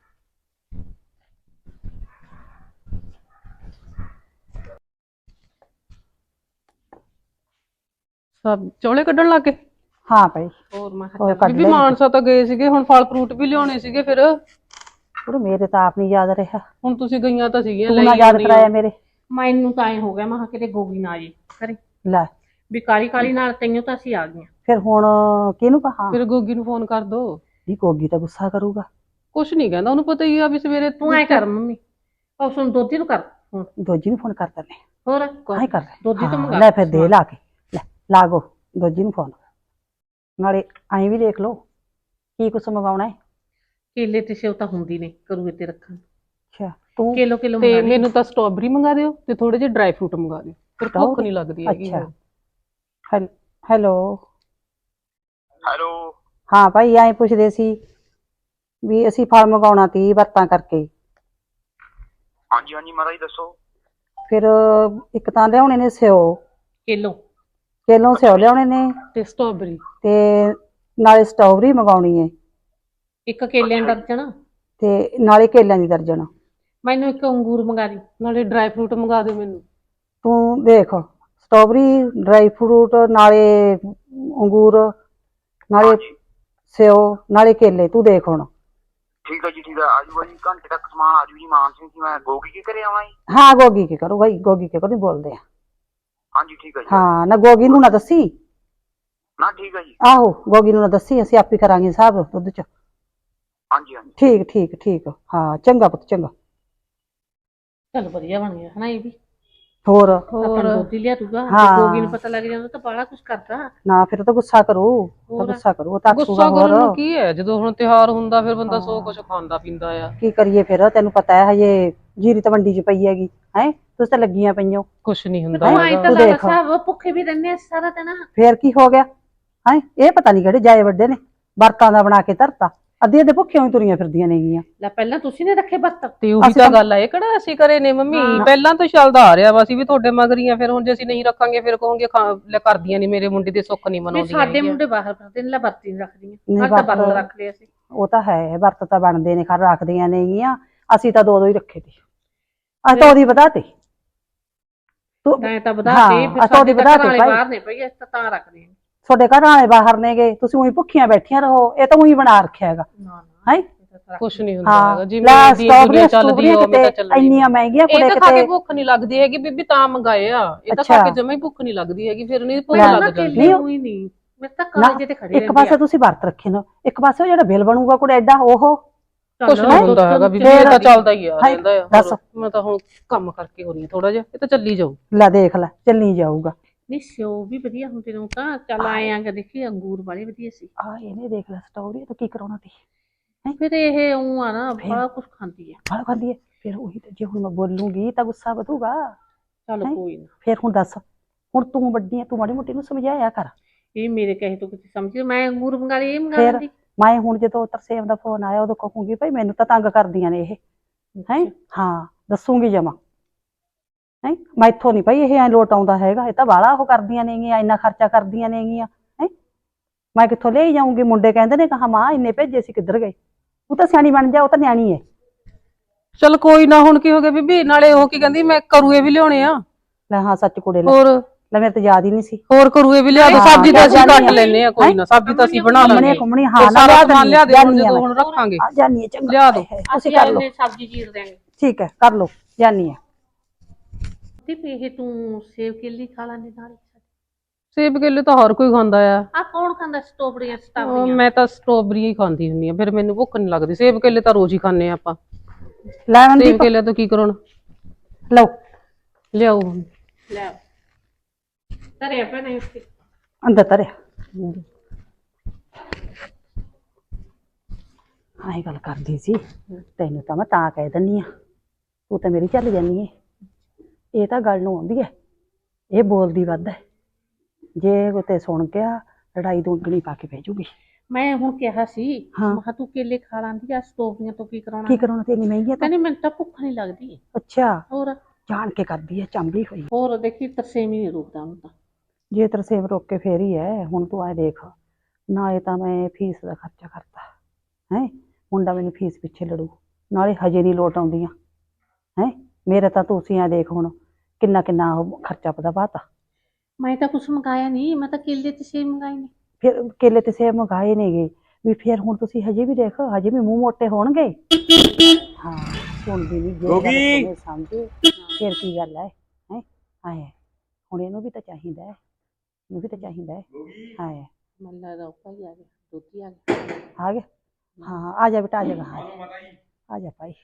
S3: ਸਭ ਚੋਲੇ ਕੱਢਣ ਲੱਗ ਗਏ।
S2: ਹਾਂ ਭਾਈ
S3: ਹੋਰ ਮੈਂ
S2: ਹੋਰ
S3: ਕਿਹਾ
S2: ਕੱਢ
S3: ਬੀਬੀ
S2: ਲੈ।
S3: ਮਾਨਸਾ ਤਾਂ ਗਏ ਸੀਗੇ, ਹੁਣ ਫਲ ਫਰੂਟ ਵੀ ਲਿਆਉਣੇ ਸੀਗੇ। ਫਿਰ
S2: ਉਹ ਮੇਰੇ ਤਾਂ ਆਪ ਨਹੀਂ ਯਾਦ ਰਿਹਾ।
S3: ਹੁਣ ਤੁਸੀਂ ਗਈਆਂ ਤਾਂ ਸੀਗੀਆਂ
S2: ਤੂੰ ਨਾ ਯਾਦ ਕਰਾਇਆ ਮੇਰੇ।
S3: ਮੈਨੂੰ ਤਾਂ ਐ ਹੋ ਗਿਆ ਮੈਂ ਕਿਹਾ ਕਿਤੇ ਗੋਗੀ ਨਾ ਜੀ ਕਰੇ
S2: ਲੈ
S3: ਵੀ ਕਾਲੀ ਕਾਲੀ ਨਾਲ ਤੈਨੂੰ ਤਾਂ ਅਸੀਂ ਆ ਗਈਆਂ।
S2: ਫਿਰ ਹੁਣ ਕਿਹਨੂੰ ਕਹਾਂ?
S3: ਫਿਰ ਗੋਗੀ ਨੂੰ ਫੋਨ ਕਰ ਦੋ।
S2: ਨਹੀਂ ਕੋਗੀ ਤਾਂ ਗੁੱਸਾ ਕਰੂਗਾ।
S3: ਕੁਛ ਨਹੀਂ ਕਹਿੰਦਾ, ਉਹਨੂੰ ਪਤਾ ਹੀ ਆ ਵੀ ਸਵੇਰੇ ਤੂੰ ਐ ਕਰ ਮੰਮੀ ਉਹ ਸੁਣ ਦੋਤੀ ਨੂੰ ਕਰ ਫੋਨ।
S2: ਦੋਜੀ ਨੂੰ ਫੋਨ ਕਰ ਦਿੰਦੇ
S3: ਹੋਰ
S2: ਆਹ ਕਰ ਲੈ।
S3: ਦੋਜੀ ਤੋਂ
S2: ਹਾਂ,
S3: ਮੰਗਾ
S2: ਲੈ ਫਿਰ ਦੇ ਲਾ ਕੇ ਲੈ ਲਾਗੋ ਦੋਜੀ ਨੂੰ ਫੋਨ। ਨਾਲੇ ਐਂ ਵੀ ਦੇਖ ਲਓ ਕੀ ਕੁਛ ਮੰਗਾਉਣਾ ਹੈ।
S3: ਕੇਲੇ ਤੇ ਸੇਵ ਤਾਂ ਹੁੰਦੀ ਨੇ ਕਰੂਏ ਤੇ ਰੱਖਣ।
S2: ਅੱਛਾ ਤੂੰ
S3: ਕਿਲੋ ਕਿਲੋ ਤੇ ਮੈਨੂੰ ਤਾਂ ਸਟ੍ਰਾਬੇਰੀ ਮੰਗਾ ਦਿਓ ਤੇ ਥੋੜੇ ਜਿਹੇ ਡਰਾਈ ਫਰੂਟ ਮੰਗਾ ਦਿਓ, ਫਿਰ ਭੁੱਖ ਨਹੀਂ ਲੱਗਦੀ ਹੈਗੀ।
S2: ਅੱਛਾ ਹੈਲ- ਹੈਲੋ
S5: ਹੈਲੋ
S2: ਹਾਂ ਭਾਈ ਐਂ ਪੁੱਛਦੇ ਸੀ ਵੀ ਅਸੀਂ ਫਲ ਮੰਗਾਉਣਾ ਤੀ ਵਰਤਾਂ ਕਰਕੇ।
S5: ਹਾਂਜੀ ਹਾਂਜੀ ਮਹਾਰਾਜ ਦੱਸੋ।
S2: ਫਿਰ ਇੱਕ ਤਾਂ ਲਿਆਉਣੇ ਨੇ ਸਿਓ,
S3: ਕਿਲੋ
S2: ਕਿਲੋ ਸਿਓ ਲਿਆਉਣੇ ਨੇ
S3: ਤੇ ਸਟ੍ਰਾਬੇਰੀ
S2: ਤੇ ਨਾਲੇ ਸਟ੍ਰਾਬੇਰੀ ਮੰਗਾਉਣੀ ਹੈ
S3: ਇੱਕ ਕੇਲਿਆਂ ਦਾ ਦਰਜਨ
S2: ਤੇ ਨਾਲੇ ਕੇਲਿਆਂ ਦੀ ਦਰਜਨ।
S3: ਮੈਨੂੰ ਇੱਕ ਅੰਗੂਰ ਮੰਗਾ ਦੀ, ਨਾਲੇ ਡਰਾਈ ਫਰੂਟ ਮੰਗਾ ਦਿਓ ਮੈਨੂੰ।
S2: ਤੂੰ ਦੇਖ ਸਟ੍ਰਾਬੇਰੀ ਡਰਾਈ ਫਰੂਟ ਨਾਲੇ ਅੰਗੂਰ ਨਾਲੇ ਸਿਓ ਨਾਲੇ ਕੇਲੇ ਤੂੰ ਦੇਖ ਹੁਣ।
S5: ਠੀਕ ਹੈ ਜੀ ਠੀਕ ਹੈ ਆਜੂ ਜੀ ਘੰਟੇ ਤੱਕ ਸਮਾਨ ਆਜੂ ਜੀ। ਮਾਨ ਸਿੰਘ ਜੀ ਮੈਂ ਗੋਗੀ ਕੇ ਘਰੇ ਆਉਣਾ ਜੀ?
S2: ਹਾਂ ਗੋਗੀ ਕੀ ਕਰੂ ਭਾਈ, ਗੋਗੀ ਕੇ ਕੋ ਨਹੀਂ ਬੋਲਦੇ ਆ।
S5: ਹਾਂਜੀ ਠੀਕ ਹੈ ਜੀ।
S2: ਹਾਂ ਨਾ ਗੋਗੀ ਨੂੰ ਨਾ ਦੱਸੀ।
S5: ਨਾ ਠੀਕ ਹੈ ਜੀ।
S2: ਆਹੋ ਗੋਗੀ ਨੂੰ ਨਾ ਦੱਸੀ, ਅਸੀਂ ਆਪੇ ਕਰਾਂਗੇ ਹਿਸਾਬ ਦੁੱਧ ਚ।
S5: ਹਾਂਜੀ ਹਾਂਜੀ
S2: ਠੀਕ ਠੀਕ ਠੀਕ ਹਾਂ ਚੰਗਾ ਪੁੱਤ ਚੰਗਾ।
S3: ਚਲ ਵਧੀਆ ਬਣ ਗਿਆ ਹਨਾ ਇਹ ਵੀ।
S2: ਹੋਰ
S3: ਹੋਰ ਦੋਤੀ ਲਿਆ ਤੂਗਾ
S2: ਹਾਂ।
S3: ਗੋਗੀ ਨੂੰ ਪਤਾ ਲੱਗ ਜਾਂਦਾ ਤਾਂ ਬਾਹਲਾ ਕੁਝ ਕਰਦਾ।
S2: ਨਾ ਫਿਰ ਤਾਂ ਗੁੱਸਾ ਕਰੂ ਤਾਂ
S3: ਹੋਰ।
S2: ਗੁੱਸਾ ਕਰੂ ਉਹ ਤਾਂ
S3: ਗੁੱਸਾ
S2: ਆਖੂਗਾ
S3: ਕਰਨ ਨੂੰ
S2: ਹੋਰ
S3: ਕੀ ਹੈ, ਜਦੋਂ ਹੁਣ ਤਿਉਹਾਰ ਹੁੰਦਾ ਫਿਰ ਬੰਦਾ ਸੌ ਕੁਝ ਖਾਂਦਾ ਪੀਂਦਾ ਆ।
S2: ਕੀ ਕਰੀਏ ਫਿਰ ਤੈਨੂੰ ਪਤਾ ਹੈ ਹਜੇ ਜੀਰੀ ਤਾਂ ਮੰਡੀ ਚ ਪਈ ਹੈਗੀ ਹੈ ਤੁਸੀਂ ਤਾਂ ਲੱਗੀਆਂ ਪਈਓ।
S3: ਕੁਛ ਨਹੀਂ ਹੁੰਦਾ
S2: ਹੈਂ?
S3: ਆਈ ਤਾਂ
S2: ਤੂੰ
S3: ਗੱਲ
S2: ਦੇਖ।
S3: ਸਭ ਭੁੱਖੇ ਵੀ ਰਹਿੰਦੇ ਆ ਸਾਰਾ ਦਿਨ।
S2: ਫੇਰ ਕੀ ਹੋ ਗਿਆ ਹੈ? ਇਹ ਪਤਾ ਨਹੀਂ ਕਿਹੜੇ ਜਾਏ ਵੱਡੇ ਨੇ ਵਰਤਾਂ ਦਾ ਬਣਾ ਕੇ ਧਰਤਾ। ਅੱਧੇ ਅੱਧੇ ਭੁੱਖਿਆਂ ਹੀ ਤੁਰੀਆਂ ਫਿਰਦੀਆਂ ਨੇਗੀਆਂ।
S3: ਲੈ ਪਹਿਲਾਂ ਤੁਸੀਂ ਨੇ ਰੱਖੇ ਬੱਤ ਤੇ ਉਹੀ
S2: ਅਸੀਂ
S3: ਤਾਂ
S2: ਤਾਂ-
S3: ਗੱਲ ਆ, ਇਹ ਕਿਹੜਾ ਅਸੀਂ ਕਰੇ ਨੇ ਮੰਮੀ ਪਹਿਲਾਂ ਤੋਂ ਚੱਲਦਾ ਆ ਰਿਹਾ ਵਾ। ਅਸੀਂ ਵੀ ਤੁਹਾਡੇ ਮਗਰੀਆਂ, ਫਿਰ ਹੁਣ ਜੇ ਅਸੀਂ ਨਹੀਂ ਰੱਖਾਂਗੇ ਫਿਰ ਕਹੋਗੇ ਲੈ ਕਰਦੀਆਂ ਨਹੀਂ ਮੇਰੇ ਮੁੰਡੇ ਦੇ ਸੁੱਖ ਨਹੀਂ ਮਨਾਉਂਦੀਆਂ। ਸਾਡੇ ਮੁੰਡੇ ਬਾਹਰ ਫਿਰਦੇ ਨੇ, ਲੈ ਵਰਤੀ ਨਹੀਂ ਰੱਖਦੀਆਂ।
S2: ਨਹੀਂ
S3: ਹਰ ਤਾਂ ਬੰਦ
S2: ਵਰਤ-
S3: ਰੱਖ ਲਿਆ ਸੀ।
S2: ਉਹ ਤਾਂ ਹੈ ਵਰਤ ਤਾਂ ਬਣਦੇ ਨੇ ਖਰ ਰੱਖਦੀਆਂ ਨੇਗੀਆਂ। ਅਸੀਂ ਤਾਂ ਦੋ ਦੋ ਹੀ ਰੱਖੇ ਤੇ ਅਸੀਂ ਤਾਂ ਉਹਦੀ ਵਧਾਤੇ। ਤੂੰ
S3: ਤਾਂ ਤਾਂ ਵਧਾ
S2: ਹਾਂ,
S3: ਕੇ ਫਿਰ
S2: ਅਸੀਂ ਉਹਦੀ
S3: ਸਾਡੇ
S2: ਵਧਾ
S3: ਘਰ
S2: ਤੇ
S3: ਵਾਲੇ
S2: ਭਾਈ।
S3: ਬਾਹਰ ਨੇ ਪਈ ਅਸੀਂ ਤਾਂ ਤਾਂ ਰੱਖਦੇ ਹਾਂ।
S2: ਤੁਹਾਡੇ ਘਰ ਵਾਲੇ ਬਾਹਰ ਨੇਗੇ ਤੁਸੀਂ ਉਹੀ ਭੁੱਖੀਆਂ ਬੈਠੀਆਂ ਰਹੋ। ਇਹ ਤਾਂ ਉਹੀ ਬਣਾ ਰੱਖਿਆ ਹੈਗਾ
S3: ਨਾ ਨਾ
S2: ਹੈ।
S3: ਇਹ ਤਾਂ ਕੁਛ ਨਹੀਂ ਹੁੰਦਾ
S2: ਹਾਂ
S3: ਹੈਗਾ ਜਿਵੇਂ
S2: ਲੈ
S3: ਦੀ ਦੁਨੀਆ
S2: ਸਟ੍ਰਾਬੇਰੀਆਂ
S3: ਚੱਲਦੀ ਆ ਉਵੇਂ ਤਾਂ
S2: ਕਿਤੇ
S3: ਚੱਲਣੀ
S2: ਇੰਨੀਆਂ ਮਹਿੰਗੀਆਂ
S3: ਇਹ
S2: ਕੁੜੇ
S3: ਤਾਂ ਖਾ ਕੇ
S2: ਕਿਤੇ
S3: ਭੁੱਖ ਨਹੀਂ ਲੱਗਦੀ ਹੈਗੀ ਬੀਬੀ ਤਾਂ ਮੰਗਾਏ ਆ ਇਹ ਤਾਂ ਖਾ ਕੇ ਜਮਾ ਹੀ ਭੁੱਖ ਨਹੀਂ ਲੱਗਦੀ ਹੈਗੀ ਫਿਰ ਨਹੀਂ ਭੁੱਖ
S2: ਲੈ,
S3: ਲੱਗ ਜਾਂਦੀ
S2: ਨਹੀਂ
S1: ਕੋਈ ਨਹੀਂ ਮੈਂ ਤਾਂ ਕਾਲਜ ਤੇ ਖੜੀ
S2: ਇੱਕ ਪਾਸੇ ਤੁਸੀਂ ਵਰਤ ਰੱਖੇ ਨੇ ਇੱਕ ਪਾਸੇ ਉਹ ਜਿਹੜਾ ਬਿੱਲ ਬਣੂਗਾ ਕੁੜੇ ਐਡਾ ਉਹ
S3: ਕੁਛ ਨਹੀਂ ਹੁੰਦਾ ਹੈਗਾ ਬੀਬੀ ਇਹ ਤਾਂ ਚੱਲਦਾ ਹੀ ਆ ਰਹਿੰਦਾ ਆ
S2: ਦੱਸ
S3: ਮੈਂ ਤਾਂ ਹੁਣ ਕੰਮ ਕਰਕੇ ਹੋ ਰਹੀ ਹਾਂ ਥੋੜਾ ਜਿਹਾ ਇਹ ਤਾਂ ਚੱਲੀ ਜਾਊ
S2: ਲੈ ਦੇਖ ਲੈ ਚੱਲੀ ਜਾਊਗਾ
S1: ਨਹੀਂ ਸਿਓ ਵੀ ਵਧੀਆ ਹੁੰਦੇ ਨੇ ਤਾਂ ਚੱਲ ਆਏ ਆਂ ਕਿ ਦੇਖੀ ਅੰਗੂਰ ਵਾਲੇ ਵਧੀਆ ਸੀ
S2: ਆ ਇਹਨੇ ਦੇਖ ਲੈ ਸਟੋਰੀ ਤਾਂ ਕੀ ਕਰਾਉਣਾ ਤੀ
S1: ਫਿਰ ਇਹ ਉਹ ਆ ਨਾ ਬੜਾ ਕੁਝ ਖਾਂਦੀ ਹੈ
S2: ਫਲ ਖਾਂਦੀ ਹੈ ਫਿਰ ਉਹੀ ਤੇ ਜੇ ਹੁਣ ਮੈਂ ਬੋਲੂੰਗੀ ਤਾਂ ਗੁੱਸਾ ਵਧੂਗਾ
S1: ਚੱਲ ਕੋਈ ਨਾ
S2: ਫਿਰ ਹੁਣ ਦੱਸ ਹੁਣ ਤੂੰ ਵੱਡੀ ਹੈ ਤੂੰ ਮਾੜੀ ਮੋਟੀ ਨੂੰ ਸਮਝਾਇਆ ਕਰ
S1: ਇਹ ਮੇਰੇ ਕਹੇ ਤੋਂ ਕਿਤੇ ਸਮਝ ਮੈਂ ਅੰਗੂਰ ਮੰਗਾ ਲਈ ਇਹ ਮੰਗਾ
S2: ਫਿਰ
S1: ਲੈਂਦੀ
S2: ਮੈਂ ਹੁਣ ਜਦੋਂ ਤਰਸੇਮ ਦਾ ਫੋਨ ਆਇਆ ਉਦੋਂ ਕਹੂੰਗੀ ਭਾਈ ਮੈਨੂੰ ਤਾਂ ਤੰਗ ਕਰਦੀਆਂ ਨੇ ਇਹ ਹੈ ਹਾਂ ਦੱਸੂਗੀ ਜਮਾ ਹੈ ਮੈਥੋਂ ਨਹੀਂ ਭਾਈ ਇਹ ਐ ਲੋਟ ਆਉਂਦਾ ਹੈਗਾ ਇਹ ਤਾਂ ਬਾਹਲਾ ਉਹ ਕਰਦੀਆਂ ਨੇਗੀਆਂ ਇੰਨਾ ਖਰਚਾ ਕਰਦੀਆਂ ਨੇਗੀਆਂ ਹੈ ਮੈਂ ਕਿੱਥੋਂ ਲੈ ਜਾਊਂਗੀ ਮੁੰਡੇ ਕਹਿੰਦੇ ਨੇ ਕਹਾ ਮਾਂ ਇੰਨੇ ਭੇਜੇ ਸੀ ਕਿੱਧਰ ਗਏ ਉਹ ਤਾਂ ਸਿਆਣੀ ਬਣ ਜਾ ਉਹ ਤਾਂ ਨਿਆਣੀ ਹੈ
S3: ਚਲ ਕੋਈ ਨਾ ਹੁਣ ਕੀ ਹੋ ਗਿਆ ਬੀਬੀ ਨਾਲੇ ਉਹ ਕੀ ਕਹਿੰਦੀ ਮੈਂ ਕਰੂਏ ਵੀ ਲਿਆਉਣੇ ਆ
S2: ਲੈ ਹਾਂ ਸੱਚ ਕੁੜੇ ਲੈ
S3: ਹੋਰ
S2: ਲੈ ਮੇਰੇ ਤਾਂ ਯਾਦ ਹੀ ਨਹੀਂ ਸੀ
S3: ਹੋਰ ਕਰੂਏ ਵੀ ਲਿਆ ਦੋ ਸਬਜ਼ੀ ਤਾਂ ਅਸੀਂ ਕੱਟ ਲੈਨੇ ਆ ਕੋਈ ਨਾ ਸਬਜ਼ੀ ਤਾਂ ਅਸੀਂ ਬਣਾ ਲਾਂਗੇ
S2: ਘੁੰਮਣੀ ਹਾਂ ਨਾ
S3: ਸਾਰਾ
S2: ਲਿਆ
S3: ਸਮਾਨ ਲਿਆ ਦੇ ਹੁਣ
S2: ਜਾਨੀ
S3: ਜਦੋਂ
S2: ਆ
S3: ਹੁਣ ਰੱਖਾਂਗੇ
S2: ਆ ਜਾਨੀ ਹੈ ਚੰਗਾ
S3: ਲਿਆ ਦੋ
S2: ਤੁਸੀਂ ਕਰ ਲਓ
S1: ਸਬਜ਼ੀ ਚੀਰ ਦੇਾਂਗੇ
S2: ਠੀਕ ਹੈ ਕਰ ਲਓ ਜਾਨੀ ਹੈ
S1: ਤੇ ਇਹ ਤੂੰ ਸੇਬ ਕੇਲੀ ਖਾ ਲੈਂਦੀ ਨਾਲ
S3: ਸੇਬ ਕੇਲੇ ਤਾਂ ਹਰ ਕੋਈ ਖਾਂਦਾ ਆ
S1: ਆ ਕੌਣ ਖਾਂਦਾ ਸਟ੍ਰਾਬੇਰੀਆਂ
S3: ਉਹ
S1: ਸਟ੍ਰਾਬੇਰੀਆਂ
S3: ਮੈਂ ਤਾਂ ਸਟ੍ਰਾਬੇਰੀ ਹੀ ਖਾਂਦੀ ਹੁੰਦੀ ਆ ਫਿਰ ਮੈਨੂੰ ਭੁੱਖ ਨਹੀਂ ਲੱਗਦੀ ਸੇਬ ਕੇਲੇ ਤਾਂ ਰੋਜ਼ ਹੀ ਖਾਂਦੇ ਆ ਆਪਾਂ
S2: ਲੈ
S3: ਸੇਬ
S2: ਮਨਦੀਪ
S3: ਕੇਲੇ ਤੋਂ ਕੀ ਕਰਾਉਣਾ
S2: ਲਓ
S3: ਲਿਆਓ
S1: ਲੈ ਤਰੇ ਪੈ ਨਹੀਂ ਉੱਤੇ
S2: ਅੰਦਰ ਤਰਿਆ ਆਈ ਗੱਲ ਕਰਦੀ ਸੀ ਤੈਨੂੰ ਤਾਂ ਮੈਂ ਤਾਂ ਕਹਿ ਦਿੰਨੀ ਆ ਤੂੰ ਤਾਂ ਮੇਰੀ ਚੱਲ ਜਾਨੀ ਏ ਇਹ ਤਾਂ ਗੱਲ ਨੂੰ ਆਉਂਦੀ ਹੈ ਇਹ ਬੋਲਦੀ ਵੱਧ ਹੈ ਜੇ ਕਿਤੇ ਸੁਣ ਗਿਆ ਲੜਾਈ ਦੁੱਗਣੀ ਪਾ ਕੇ ਭੇਜੂਗੀ
S1: ਮੈਂ ਹੁਣ ਕਿਹਾ ਸੀ
S2: ਹਾਂ।
S1: ਮੈਂ ਕਿਹਾ ਤੂੰ ਕੇਲੇ ਖਾ ਲਾਂਦੀ ਆ ਸਟ੍ਰਾਬੇਰੀਆਂ ਤੋਂ ਕੀ ਕਰਾਉਣਾ
S2: ਕੀ ਕਰਾਉਣਾ ਤੇ ਇੰਨੀ ਮਹਿੰਗੀ ਆ ਤਾਂ
S1: ਕਹਿੰਦੀ ਮੈਨੂੰ ਤਾਂ ਭੁੱਖ ਨਹੀਂ ਲੱਗਦੀ
S2: ਅੱਛਾ
S1: ਹੋਰ
S2: ਜਾਣ ਕੇ ਕਰਦੀ ਹੈ ਚੰਬਲੀ ਹੋਈ
S1: ਹੋਰ ਦੇਖੀ ਤਰਸੇਮੀ ਨਹੀਂ ਰੁਕਦਾ ਹੁਣ ਤਾਂ
S2: ਜੇ ਤਰਸੇਮ ਰੋਕ ਕੇ ਫੇਰ ਹੀ ਹੈ ਹੁਣ ਤੂੰ ਆਏ ਦੇਖ ਨਾਲੇ ਤਾਂ ਮੈਂ ਫੀਸ ਦਾ ਖਰਚਾ ਕਰਤਾ ਹੈ ਮੁੰਡਾ ਮੈਨੂੰ ਫੀਸ ਪਿੱਛੇ ਲੜੂ ਨਾਲੇ ਹਜੇ ਨਹੀਂ ਲੋਟ ਆਉਂਦੀਆਂ ਹੈ ਮੇਰੇ ਤਾਂ ਤੁਸੀਂ ਆ ਦੇਖ ਹੁਣ ਕਿੰਨਾ ਕਿੰਨਾ ਉਹ ਖਰਚਾ ਪਤਾ ਬਾਤਾ
S1: ਮੈਂ ਤਾਂ ਕੁਛ ਮੰਗਾਇਆ ਨਹੀਂ ਮੈਂ ਤਾਂ ਕੇਲੇ ਤੇ ਸੇਬ ਮੰਗਾਏ ਨੇ
S2: ਫਿਰ ਕੇਲੇ ਤੇ ਸੇਬ ਮੰਗਾਏ ਨੇਗੇ ਵੀ ਫਿਰ ਹੁਣ ਤੁਸੀਂ ਹਜੇ ਵੀ ਦੇਖ ਹਜੇ ਵੀ ਮੂੰਹ ਮੋਟੇ ਹੋਣਗੇ ਹਾਂ ਸੁਣਦੀ ਨਹੀਂ ਜੇ
S4: ਗੋਗੀ।
S2: ਗੱਲ ਸਮਝੇ ਫਿਰ ਕੀ ਗੱਲ ਹੈ ਹੈ ਆਏ ਹੁਣ ਇਹਨੂੰ ਵੀ ਤਾਂ ਚਾਹੀਦਾ ਹੈ ਇਹਨੂੰ ਵੀ ਤਾਂ ਚਾਹੀਦਾ ਹੈ ਆਏ
S1: ਮੈਨੂੰ ਲੱਗਦਾ ਉੱਪਰ ਹੀ ਆ ਗਿਆ ਦੋਤੀ ਆ ਗਿਆ
S2: ਆ ਗਿਆ ਹਾਂ ਆ ਜਾ ਬੇਟਾ ਆ ਜਾ ਆ ਆ ਜਾ ਭਾਈ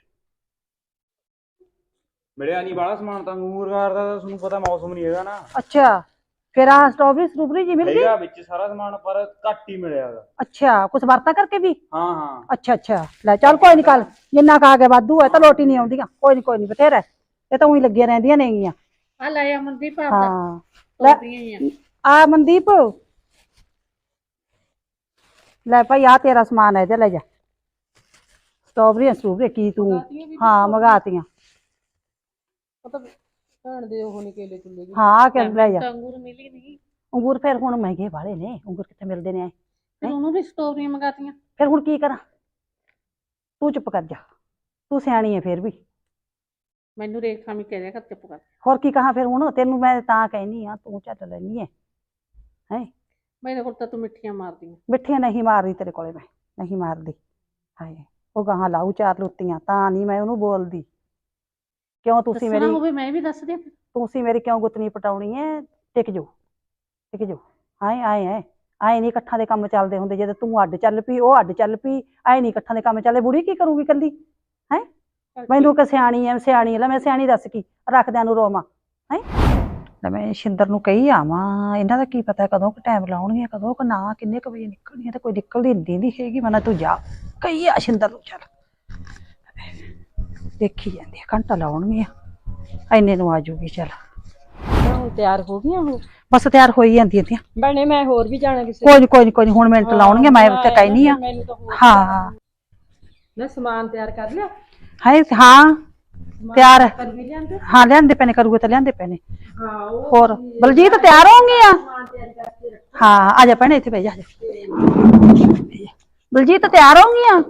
S4: ਮਿਲਿਆ ਨਹੀਂ ਬਾਹਲਾ ਸਮਾਨ ਤਾਂ ਅੰਗੂਰਗਾਰ ਦਾ ਤੁਹਾਨੂੰ ਪਤਾ ਮੌਸਮ ਨਹੀਂ ਹੈਗਾ ਨਾ
S2: ਅੱਛਾ ਫਿਰ ਆ ਸਟ੍ਰਾਬੇਰੀ ਸਟ੍ਰਾਬੇਰੀ ਜੀ ਮਿਲ ਗਈ
S4: ਹੈਗਾ ਵਿੱਚ ਸਾਰਾ ਸਮਾਨ ਪਰ ਘੱਟ ਹੀ ਮਿਲਿਆ ਹੈਗਾ
S2: ਅੱਛਾ ਕੁਛ ਵਰਤਾ ਕਰਕੇ ਵੀ
S4: ਹਾਂ ਹਾਂ
S2: ਅੱਛਾ ਅੱਛਾ ਲੈ ਚੱਲ ਕੋਈ ਨਹੀਂ ਕੱਲ ਜਿੰਨਾ ਕਾ ਕੇ ਵਾਧੂ ਹੈ ਤਾਂ ਲੋਟੀ ਨਹੀਂ ਆਉਂਦੀਆਂ ਕੋਈ ਨਹੀਂ ਕੋਈ ਨਹੀਂ ਬਥੇਰਾ ਹੈ। ਇਹ ਤਾਂ ਉਹੀ ਲੱਗੀਆਂ ਰਹਿੰਦੀਆਂ ਨੇਗੀਆਂ
S1: ਆ ਲੈ ਆ ਮਨਦੀਪ ਆ
S2: ਹਾਂ ਲੈ
S1: ਸਟ੍ਰਾਬੇਰੀਆਂ ਹੀ
S2: ਆ ਮਨਦੀਪ ਲੈ ਭਾਈ ਆ ਤੇਰਾ ਸਮਾਨ ਹੈ ਤੇ ਲੈ ਜਾ ਸਟ੍ਰਾਬੇਰੀਆਂ ਸਟ੍ਰਾਬੇਰੀ ਕੀ ਤੂੰ ਹਾਂ ਮੰਗਾਤੀਆਂ
S3: ਮਤਲਬ ਭੈਣ ਦੇ ਉਹ ਨਹੀਂ ਕੇਲੇ ਚੁੱਲੇ
S2: ਹਾਂ ਆ ਕੇ ਲੈ ਜਾ
S1: ਤਾਂ ਅੰਗੂਰ ਮਿਲੀ ਨਹੀਂ
S2: ਅੰਗੂਰ ਫਿਰ ਹੁਣ ਮਹਿੰਗੇ ਵਾਲੇ ਨੇ ਅੰਗੂਰ ਕਿੱਥੇ ਮਿਲਦੇ ਨੇ
S1: ਫਿਰ ਉਹਨੂੰ ਵੀ ਸਟ੍ਰਾਬੇਰੀਆਂ ਮੰਗਾਤੀਆਂ
S2: ਫਿਰ ਹੁਣ ਕੀ ਕਰਾਂ ਤੂੰ ਚੁੱਪ ਕਰ ਜਾ ਤੂੰ ਸਿਆਣੀ ਹੈ ਫਿਰ ਵੀ
S1: ਮੈਨੂੰ ਰੇਖ ਸਾਮੀ ਕਹਿ ਰਿਹਾ ਕਰ ਚੁੱਪ ਕਰ
S2: ਹੋਰ ਕੀ ਕਹਾਂ ਫਿਰ ਹੁਣ ਤੈਨੂੰ ਮੈਂ ਤਾਂ ਕਹਿਨੀ ਆ ਤੂੰ ਚੱਲ ਲੈਣੀ ਹੈ ਹੈ
S1: ਮੇਰੇ ਕੋਲ ਤਾਂ ਤੂੰ ਮਿੱਠੀਆਂ ਮਾਰਦੀਆਂ
S2: ਮਿੱਠੀਆਂ ਨਹੀਂ ਮਾਰਦੀ ਤੇਰੇ ਕੋਲੇ ਮੈਂ ਨਹੀਂ ਮਾਰਦੀ ਹਾਏ ਉਹ ਗਾਹਾਂ ਲਾਊ ਚਾਰ ਲੁੱਤੀਆਂ ਤਾਂ ਨਹੀਂ ਮੈਂ ਉਹਨੂੰ ਬੋਲਦੀ ਕਿਉਂ ਤੁਸੀਂ
S1: ਦੱਸਣਾ
S2: ਮੇਰੀ
S1: ਹੋਵੇ ਮੈਂ ਵੀ ਦੱਸ ਦਿਆਂ
S2: ਤੁਸੀਂ ਮੇਰੀ ਕਿਉਂ ਗੁੱਤਨੀ ਪਟਾਉਣੀ ਹੈ ਟਿਕ ਜਾਓ ਟਿਕ ਜਾਓ ਆਏ ਆਏ ਐ ਆਏ ਨਹੀਂ ਇਕੱਠਾਂ ਦੇ ਕੰਮ ਚੱਲਦੇ ਹੁੰਦੇ ਜਦੋਂ ਤੂੰ ਅੱਡ ਚੱਲ ਪਈ ਉਹ ਅੱਡ ਚੱਲ ਪਈ ਆਏ ਨਹੀਂ ਇਕੱਠਾਂ ਦੇ ਕੰਮ ਚੱਲਦੇ ਬੁੜੀ ਕੀ ਕਰੂਗੀ ਇਕੱਲੀ ਹੈ ਮੈਨੂੰ ਕਿ ਸਿਆਣੀ ਐ ਸਿਆਣੀ ਲੈ ਮੈਂ ਸਿਆਣੀ ਦੱਸ ਕੀ ਰੱਖਦਿਆਂ ਨੂੰ ਰੋਵਾਂ ਹੈ ਲੈ ਮੈਂ ਸ਼ਿੰਦਰ ਨੂੰ ਕਹੀ ਆਵਾਂ ਇਹਨਾਂ ਦਾ ਕੀ ਪਤਾ ਕਦੋਂ ਕੁ ਟਾਈਮ ਲਾਉਣਗੀਆਂ ਕਦੋਂ ਕੁ ਨਾ ਕਿੰਨੇ ਕੁ ਵਜੇ ਨਿਕਲਣੀਆਂ ਤੇ ਕੋਈ ਨਿਕਲਦੀ ਨਹੀਂ ਦੀ ਹੈਗੀ ਮੈਂ ਤੂੰ ਜਾ ਕਹੀ ਆ ਸ਼ਿੰਦਰ ਨੂੰ ਚੱਲ ਦੇਖੀ ਜਾਂਦੀ ਆ ਘੰਟਾ ਲਾਉਣਗੀਆਂ ਇੰਨੇ ਨੂੰ ਆ ਜਾਊਗੀ ਚੱਲ
S3: ਤਿਆਰ ਹੋ ਗਈਆਂ ਉਹ
S2: ਬਸ ਤਿਆਰ ਹੋਈ ਜਾਂਦੀਆਂ ਤੀਆਂ
S3: ਭੈਣੇ ਮੈਂ ਹੋਰ ਵੀ ਜਾਣਾ ਕਿਸੇ
S2: ਕੋਈ ਨੀ ਕੋਈ ਨੀ ਕੋਈ ਨੀ ਹੁਣ ਮਿੰਟ ਲਾਉਣਗੇ ਮੈਂ ਤੇ ਕਹਿਨੀ ਆ
S3: ਮੈਨੂੰ ਤਾਂ ਹੋਰ
S2: ਹਾਂ
S3: ਨਾ ਸਮਾਨ ਤਿਆਰ ਕਰ ਲਿਆ
S2: ਹੈ ਹਾਂ ਤਿਆਰ
S3: ਕਰ ਵੀ ਲਿਆਂਦੇ
S2: ਹਾਂ ਲਿਆਂਦੇ ਪੈਣੇ ਕਰੂਗੇ ਤਾਂ ਲਿਆਂਦੇ ਪੈਣੇ
S3: ਹਾਂ ਉਹ
S2: ਹੋਰ ਬਲਜੀਤ ਤਿਆਰ ਹੋਣਗੀਆਂ ਹਾਂ ਆ ਜਾ ਭੈਣੇ ਇੱਥੇ ਬਹਿ ਜਾ ਆ ਜਾ। ਬਲਜੀਤ ਤਿਆਰ ਹੋਣਗੀਆਂ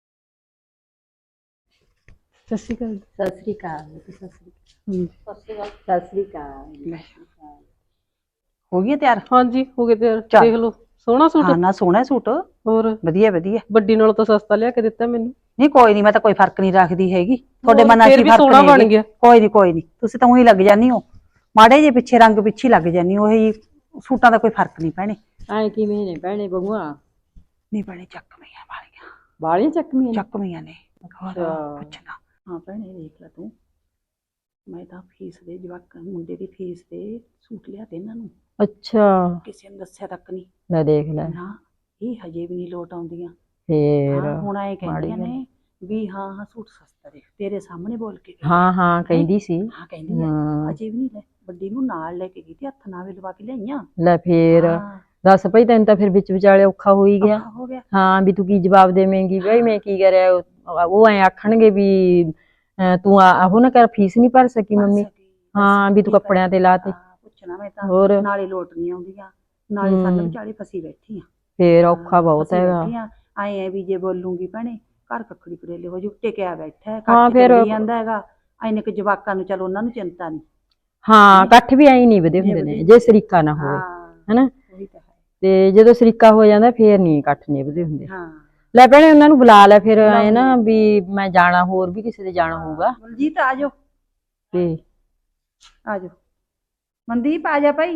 S2: ਸਤਿ ਸ਼੍ਰੀ ਅਕਾਲ
S1: ਸਤਿ ਸ੍ਰੀ ਅਕਾਲ ਸਤਿ ਸ੍ਰੀ ਅਕਾਲ ਸਤਿ ਸ੍ਰੀ ਅਕਾਲ
S2: ਹੋ ਗਈਆਂ ਤਿਆਰ
S3: ਹਾਂਜੀ ਹੋ ਗਏ ਤਿਆਰ
S2: ਚੱਲ।
S3: ਦੇਖ ਲਓ ਸੋਹਣਾ ਸੂਟ
S2: ਹਾਂ ਨਾ ਸੋਹਣਾ ਸੂਟ
S3: ਹੋਰ
S2: ਵਧੀਆ ਵਧੀਆ
S3: ਵੱਡੀ ਨਾਲੋਂ ਤਾਂ ਸਸਤਾ ਲਿਆ ਕੇ ਦਿੱਤਾ ਮੈਨੂੰ
S2: ਨਹੀਂ ਕੋਈ ਨਹੀਂ, ਮੈਂ ਤਾਂ ਕੋਈ ਫਰਕ ਨਹੀਂ ਰੱਖਦੀ ਹੈਗੀ ਤੁਹਾਡੇ ਮਨ ਨਾਲ।
S3: ਫਿਰ
S2: ਕੀ
S3: ਵੀ
S2: ਫਰਕ
S3: ਸੋਹਣਾ ਬਣ
S2: ਨਹੀਂ
S3: ਗਿਆ।
S2: ਕੋਈ ਨਹੀਂ ਕੋਈ ਨਹੀਂ, ਤੁਸੀਂ ਤਾਂ ਉਹੀ ਲੱਗ ਜਾਨੀ ਹੋ ਮਾੜੇ ਜੇ ਪਿੱਛੇ, ਰੰਗ ਪਿੱਛੇ ਲੱਗ ਜਾਨੀ ਹੋ। ਇਹ ਸੂਟਾਂ ਦਾ ਕੋਈ ਫਰਕ ਨਹੀਂ ਪੈਣੇ।
S6: ਐ ਕਿਵੇਂ ਨੇ ਭੈਣੇ ਬਹੂਆਂ?
S2: ਨਹੀਂ ਪੈਣੇ, ਚੱਕਵੀਆਂ ਵਾਲੀਆਂ,
S6: ਬਾਲੀਆਂ ਚੱਕਵੀਆਂ ਨੇ?
S2: ਚੱਕਵੀਆਂ ਨੇ।
S6: ਅੱਛਾ।
S2: ਪੁੱਛਣਾ। ਹਾਂ ਭੈਣੇ ਦੇਖ ਲੈ ਤੂੰ, ਮੈਂ ਤਾਂ ਫੀਸ ਦੇ ਜਵਾਕ ਮੁੰਡੇ ਦੀ ਫੀਸ ਦੇ ਸੂਟ ਲਿਆ ਤੇ ਇਹਨਾਂ ਨੂੰ,
S6: ਅੱਛਾ
S2: ਕਿਸੇ ਨੂੰ ਦੱਸਿਆ ਤੱਕ ਨਹੀਂ।
S6: ਲੈ ਦੇਖ ਲੈ
S2: ਨਾ ਇਹ ਹਜੇ ਵੀ ਨਹੀਂ ਲੋਟ ਆਉਂਦੀਆਂ।
S6: ਫੇਰ।
S2: ਹਾਂ, ਹੁਣ ਐ ਕਹਿੰਦੀਆਂ
S6: ਮਾੜੀ
S2: ਨੇ ਵੀ ਹਾਂ ਹਾਂ ਸੂਟ ਸਸਤਾ ਦੇ, ਤੇਰੇ ਸਾਹਮਣੇ ਬੋਲ ਕੇ ਗਈ।
S6: ਹਾਂ ਹਾਂ ਕਹਿੰਦੀ ਸੀ।
S2: ਹਾਂ ਕਹਿੰਦੀ ਆ,
S6: ਹਾਂ
S2: ਅਜੇ ਵੀ ਨਹੀਂ ਲੈ, ਵੱਡੀ ਨੂੰ ਨਾਲ ਲੈ ਕੇ ਗਈ ਤੇ ਹੱਥ ਨਾਲ ਵੀ ਲਵਾ ਕੇ ਲਿਆਈਆਂ।
S6: ਲੈ ਫੇਰ
S2: ਹਾਂ,
S6: ਦੱਸ ਭਈ ਤੈਨੂੰ ਤਾਂ ਫਿਰ ਵਿੱਚ ਵਿਚਾਲੇ ਔਖਾ ਹੋ ਹੀ ਗਿਆ।
S2: ਔਖਾ ਹੋ ਗਿਆ।
S6: ਹਾਂ ਵੀ ਤੂੰ ਕੀ ਜਵਾਬ ਦੇਵੇਂਗੀ ਬਈ ਮੈਂ ਕੀ ਕਰਿਆ? ਉਹ- ਉਹ ਐ ਆਖਣਗੇ ਵੀ ਅਹ ਤੂੰ ਆ- ਉਹ ਨਾ ਕਰ ਫੀਸ ਨਹੀਂ ਭਰ ਸਕੀ ਮੰਮੀ। ਹਾਂ ਵੀ ਤੂੰ ਕੱਪੜਿਆਂ ਤੇ ਲਾ ਤੇ।
S2: ਹਾਂ, ਪੁੱਛਣਾ ਮੈਂ ਤਾਂ
S6: ਹੋਰ
S2: ਨਾਲੇ ਲੋਟ ਨਹੀਂ ਆਉਂਦੀਆਂ, ਨਾਲੇ
S6: ਹੂੰ।
S2: ਸਾਨੂੰ ਵਿਚਾਲੇ ਫਸੀ ਬੈਠੀ ਆ।
S6: ਫੇਰ ਔਖਾ ਬਹੁਤ ਹੈਗਾ।
S2: ਆਏ ਐ ਵੀ ਜੇ ਬੋਲੂਗੀ ਭੈਣੇ ਘਰ ਕੱਖੜੀ ਕਰੇਲੇ ਹੋ ਜੂ, ਟਿਕਿਆ ਬੈਠਾ ਹੈ,
S6: ਹਾਂ,
S2: ਕੱਟ
S6: ਫਿਰ-
S2: ਚੱਲੀ ਜਾਂਦਾ ਹੈਗਾ। ਐਨੇ ਕਿ ਜਵਾਕਾਂ ਨੂੰ, ਚਲੋ ਉਹਨਾਂ ਨੂੰ ਚਿੰਤਾ ਨਹੀਂ।
S6: ਹਾਂ ਇਕੱਠ ਵੀ ਐਂ ਨਹੀਂ ਵਧੇ ਹੁੰਦੇ ਨੇ ਜੇ ਸਰੀਕਾ ਨਾ ਹੋਵੇ,
S2: ਹਾਂ
S6: ਹਨਾ।
S2: ਉਹੀ ਤਾਂ ਹੈ।
S6: ਤੇ ਜਦੋਂ ਸਰੀਕਾ ਹੋ ਜਾਂਦਾ ਫੇਰ ਨਹੀਂ ਇਕੱਠ ਨਿਭਦੇ ਹੁੰਦੇ।
S2: ਹਾਂ
S6: ਲੈ ਭੈਣੇ ਉਹਨਾਂ ਨੂੰ ਬੁਲਾ ਲੈ ਫਿਰ, ਐ ਨਾ ਵੀ ਮੈਂ ਜਾਣਾ, ਹੋਰ ਵੀ ਕਿਸੇ ਦੇ ਜਾਣਾ ਹੋਊਗਾ
S2: ਬਲਜੀਤ ਆ ਜਾਓ,
S6: ਤੇ
S2: ਆ ਜਾਓ। ਮਨਦੀਪ ਆ ਜਾ ਭਾਈ।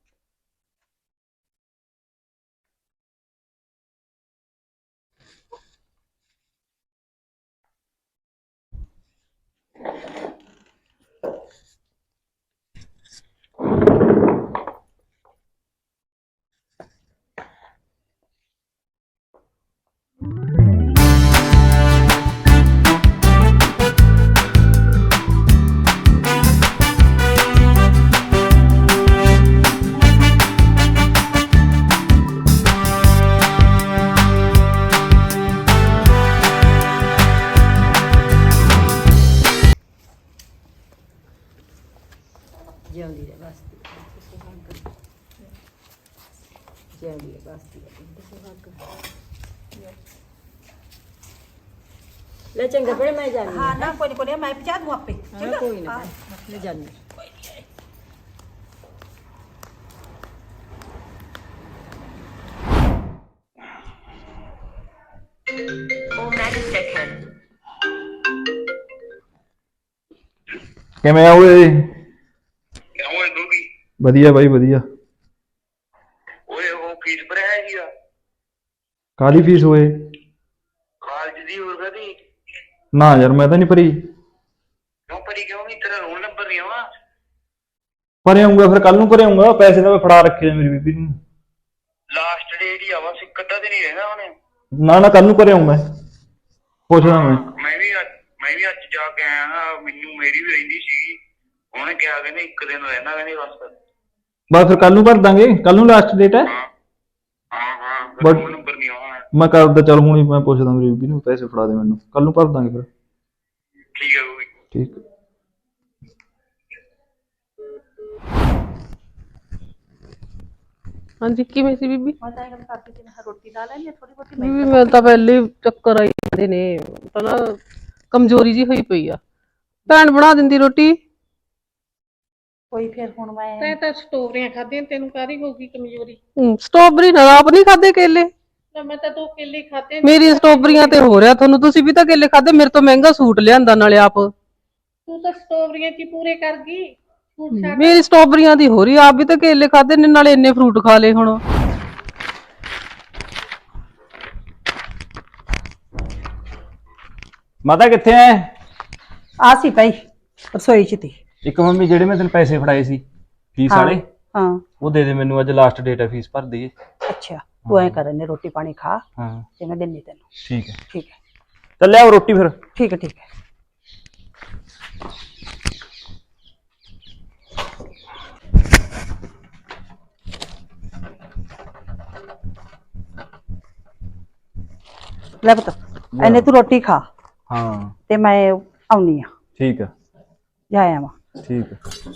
S6: ਜਿਉਂਦੀ ਰਹਿ ਬਸ ਜਿਉਂਦੀ ਰਹਿ ਬਸ ਲੈ ਚੰਗਾ ਭੈਣੇ ਮੈਂ ਜਾਣੀ
S2: ਹਾਂ ਨਾ ਕੋਈ ਨੀ ਕੋਈ ਨੀ, ਮੈਂ ਪਹੁੰਚਾ ਦੂੰ ਆਪੇ।
S6: ਹਾਂ ਕੋਈ ਨਾ ਮੈਂ ਜਾਣੀ।
S4: ਕਿਵੇਂ ਆ ਓਏ?
S5: ਕਿਉਂ ਗੋਗੀ?
S4: ਵਧੀਆ ਬਾਈ ਵਧੀਆ।
S5: ਓਏ ਉਹ ਫੀਸ ਭਰਿਆ ਸੀਗਾ
S4: ਕਾਹਦੀ ਫੀਸ ਹੋਏ?
S5: ਕਾਲਜ ਦੀ, ਹੋਰ ਕਦੀ
S4: ਨਾ ਯਾਰ ਮੈਂ ਤਾਂ ਨਹੀਂ ਭਰੀ।
S5: ਕਿਉਂ ਭਰੀ ਕਿਉਂ ਨਹੀਂ? ਤੇਰਾ ਰੋਲ ਨੰਬਰ ਨਹੀਂ ਆਵਾ?
S4: ਭਰੇ ਆਉਂਗਾ ਫਿਰ, ਕੱਲ ਨੂੰ ਭਰੇ ਆਉਂਗਾ। ਪੈਸੇ ਤਾਂ ਮੈਂ ਫੜਾ ਰੱਖੇ ਆ ਮੇਰੀ ਬੀਬੀ ਨੂੰ।
S5: ਲਾਸਟ ਡੇਟ ਹੀ ਆਵਾ, ਸਿੱਕ ਅੱਧਾ ਤੇ ਨਹੀਂ ਰਹਿਣਾ ਉਹਨੇ।
S4: ਨਾ ਨਾ ਕੱਲ ਨੂੰ ਭਰੇ ਆਉਂਗਾ, ਪੁੱਛਦਾ ਮੈਂ।
S5: ਮੈਂ ਵੀ ਅੱਜ ਮੈਂ ਵੀ ਅੱਜ ਜਾ ਕੇ ਆਇਆ ਹਾਂ, ਮੈਨੂੰ ਮੇਰੀ ਵੀ ਰਹਿੰਦੀ ਸੀਗੀ। ਉਹਨੇ ਕਿਹਾ ਕਹਿੰਦੇ ਇੱਕ ਦਿਨ ਰਹਿਣਾ, ਕਹਿੰਦੇ ਬਸ।
S4: ਬਸ ਫਿਰ ਕੱਲ ਨੂੰ ਭਰ ਦਾਂਗੇ, ਕੱਲ ਨੂੰ ਲਾਸਟ ਡੇਟ ਹੈ।
S5: ਹਾਂ ਹਾਂ ਹਾਂ
S4: ਬਸ।
S5: ਰੋਲ ਨੰਬਰ ਨਹੀਂ ਆਵਾ।
S4: ਮੈਂ ਕਰਦਾ, ਚੱਲ ਹੁਣ ਹੀ ਮੈਂ ਪੁੱਛਦਾ ਮੇਰੀ ਬੀਬੀ ਨੂੰ, ਪੈਸੇ ਫੜਾ ਦੇ ਮੈਨੂੰ, ਕੱਲ ਨੂੰ ਭਰ ਦਾਂਗੇ ਫਿਰ।
S5: ਠੀਕ ਹੈ ਗੋਗੀ।
S4: ਠੀਕ।
S3: ਹਾਂਜੀ ਕਿਵੇਂ ਸੀ ਬੀਬੀ?
S2: ਮੈਂ ਤਾਂ ਇਹ ਗੱਲ ਕਰਦੀ ਸੀ, ਮੈਂ ਕਿਹਾ ਰੋਟੀ ਲਾ ਲੈਣੀ ਥੋੜੀ ਬਹੁਤੀ।
S3: ਬੀਬੀ ਮੈਂ ਤਾਂ ਪਹਿਲੇ ਹੀ ਚੱਕਰ ਆਈ ਜਾਂਦੇ ਨੇ, ਤਾਂ ਨਾ ਕਮਜ਼ੋਰੀ ਜੀ ਹੋਈ ਪਈ ਆ। ਭੈਣ ਬਣਾ ਦਿੰਦੀ ਰੋਟੀ।
S2: ਕੋਈ ਫਿਰ ਹੁਣ ਮੈਂ
S1: ਤੈਂ ਤਾਂ ਸਟੋਰੀਆਂ ਖਾਧੀਆਂ, ਤੈਨੂੰ ਕਾਹਦੀ ਹੋਊਗੀ ਕਮਜ਼ੋਰੀ?
S3: ਹਮ, ਸਟ੍ਰਾਬੇਰੀ ਨਾਲ ਆਪ ਨਹੀਂ ਖਾਦੇ ਕੇਲੇ।
S1: ਨਾ ਮੈਂ ਤਾਂ ਦੋ ਕੇਲੇ ਖਾਧੇ ਨੇ।
S3: ਮੇਰੀ ਸਟ੍ਰਾਬੇਰੀਆਂ ਤੇ ਹੋ ਰਿਹਾ ਤੁਹਾਨੂੰ, ਤੁਸੀਂ ਵੀ ਤਾਂ ਕੇਲੇ ਖਾਦੇ, ਮੇਰੇ ਤੋਂ ਮਹਿੰਗਾ ਸੂਟ ਲਿਆਂਦਾ ਨਾਲੇ ਆਪ।
S1: ਤੂੰ ਤਾਂ ਸਟੋਰੀਆਂ ਚ ਹੀ ਪੂਰੇ ਕਰ ਗਈ। ਸੂਟ ਛੱਡ।
S3: ਮੇਰੀ ਸਟ੍ਰਾਬੇਰੀਆਂ ਦੀ ਹੋ ਰਹੀ, ਆਪ ਵੀ ਤਾਂ ਕੇਲੇ ਖਾਦੇ ਨੇ ਨਾਲੇ ਇੰਨੇ ਫਰੂਟ ਖਾ ਲਏ ਹੁਣ।
S4: ਮਾਤਾ ਕਿੱਥੇ ਐ?
S2: ਆ ਸੀ ਭਾਈ ਰਸੋਈ ਚ ਤੀ।
S4: ਇੱਕ ਮੰਮੀ ਜਿਹੜੇ ਮੈਂ ਤੈਨੂੰ ਪੈਸੇ ਫੜਾਏ ਸੀ ਫੀਸ ਵਾਲੇ,
S2: ਹਾਂ
S4: ਉਹ ਦੇ ਦੇ ਮੈਨੂੰ, ਅੱਜ ਲਾਸਟ ਡੇਟ ਹੈ ਫੀਸ ਭਰ ਦਈਏ।
S2: ਅੱਛਾ, ਤੂੰ ਐ ਕਰ, ਨੇ ਰੋਟੀ ਪਾਣੀ ਖਾ
S4: ਹਾਂ
S2: ਤੇ ਮੈਂ ਦਿੰਨੀ ਤੈਨੂੰ।
S4: ਠੀਕ ਹੈ।
S2: ਠੀਕ ਹੈ
S4: ਚੱਲ ਲਿਆਓ ਰੋਟੀ ਫਿਰ।
S2: ਠੀਕ ਹੈ ਠੀਕ ਹੈ। ਲੈ ਪੁੱਤ, ਐਨੇ ਤੂੰ ਰੋਟੀ ਖਾ
S4: ਹਾਂ
S2: ਤੇ ਮੈਂ ਆਉਣੀ ਆ,
S4: ਠੀਕ ਹੈ।
S2: ਜਾ ਆਵਾਂ।
S4: ਠੀਕ ਹੈ।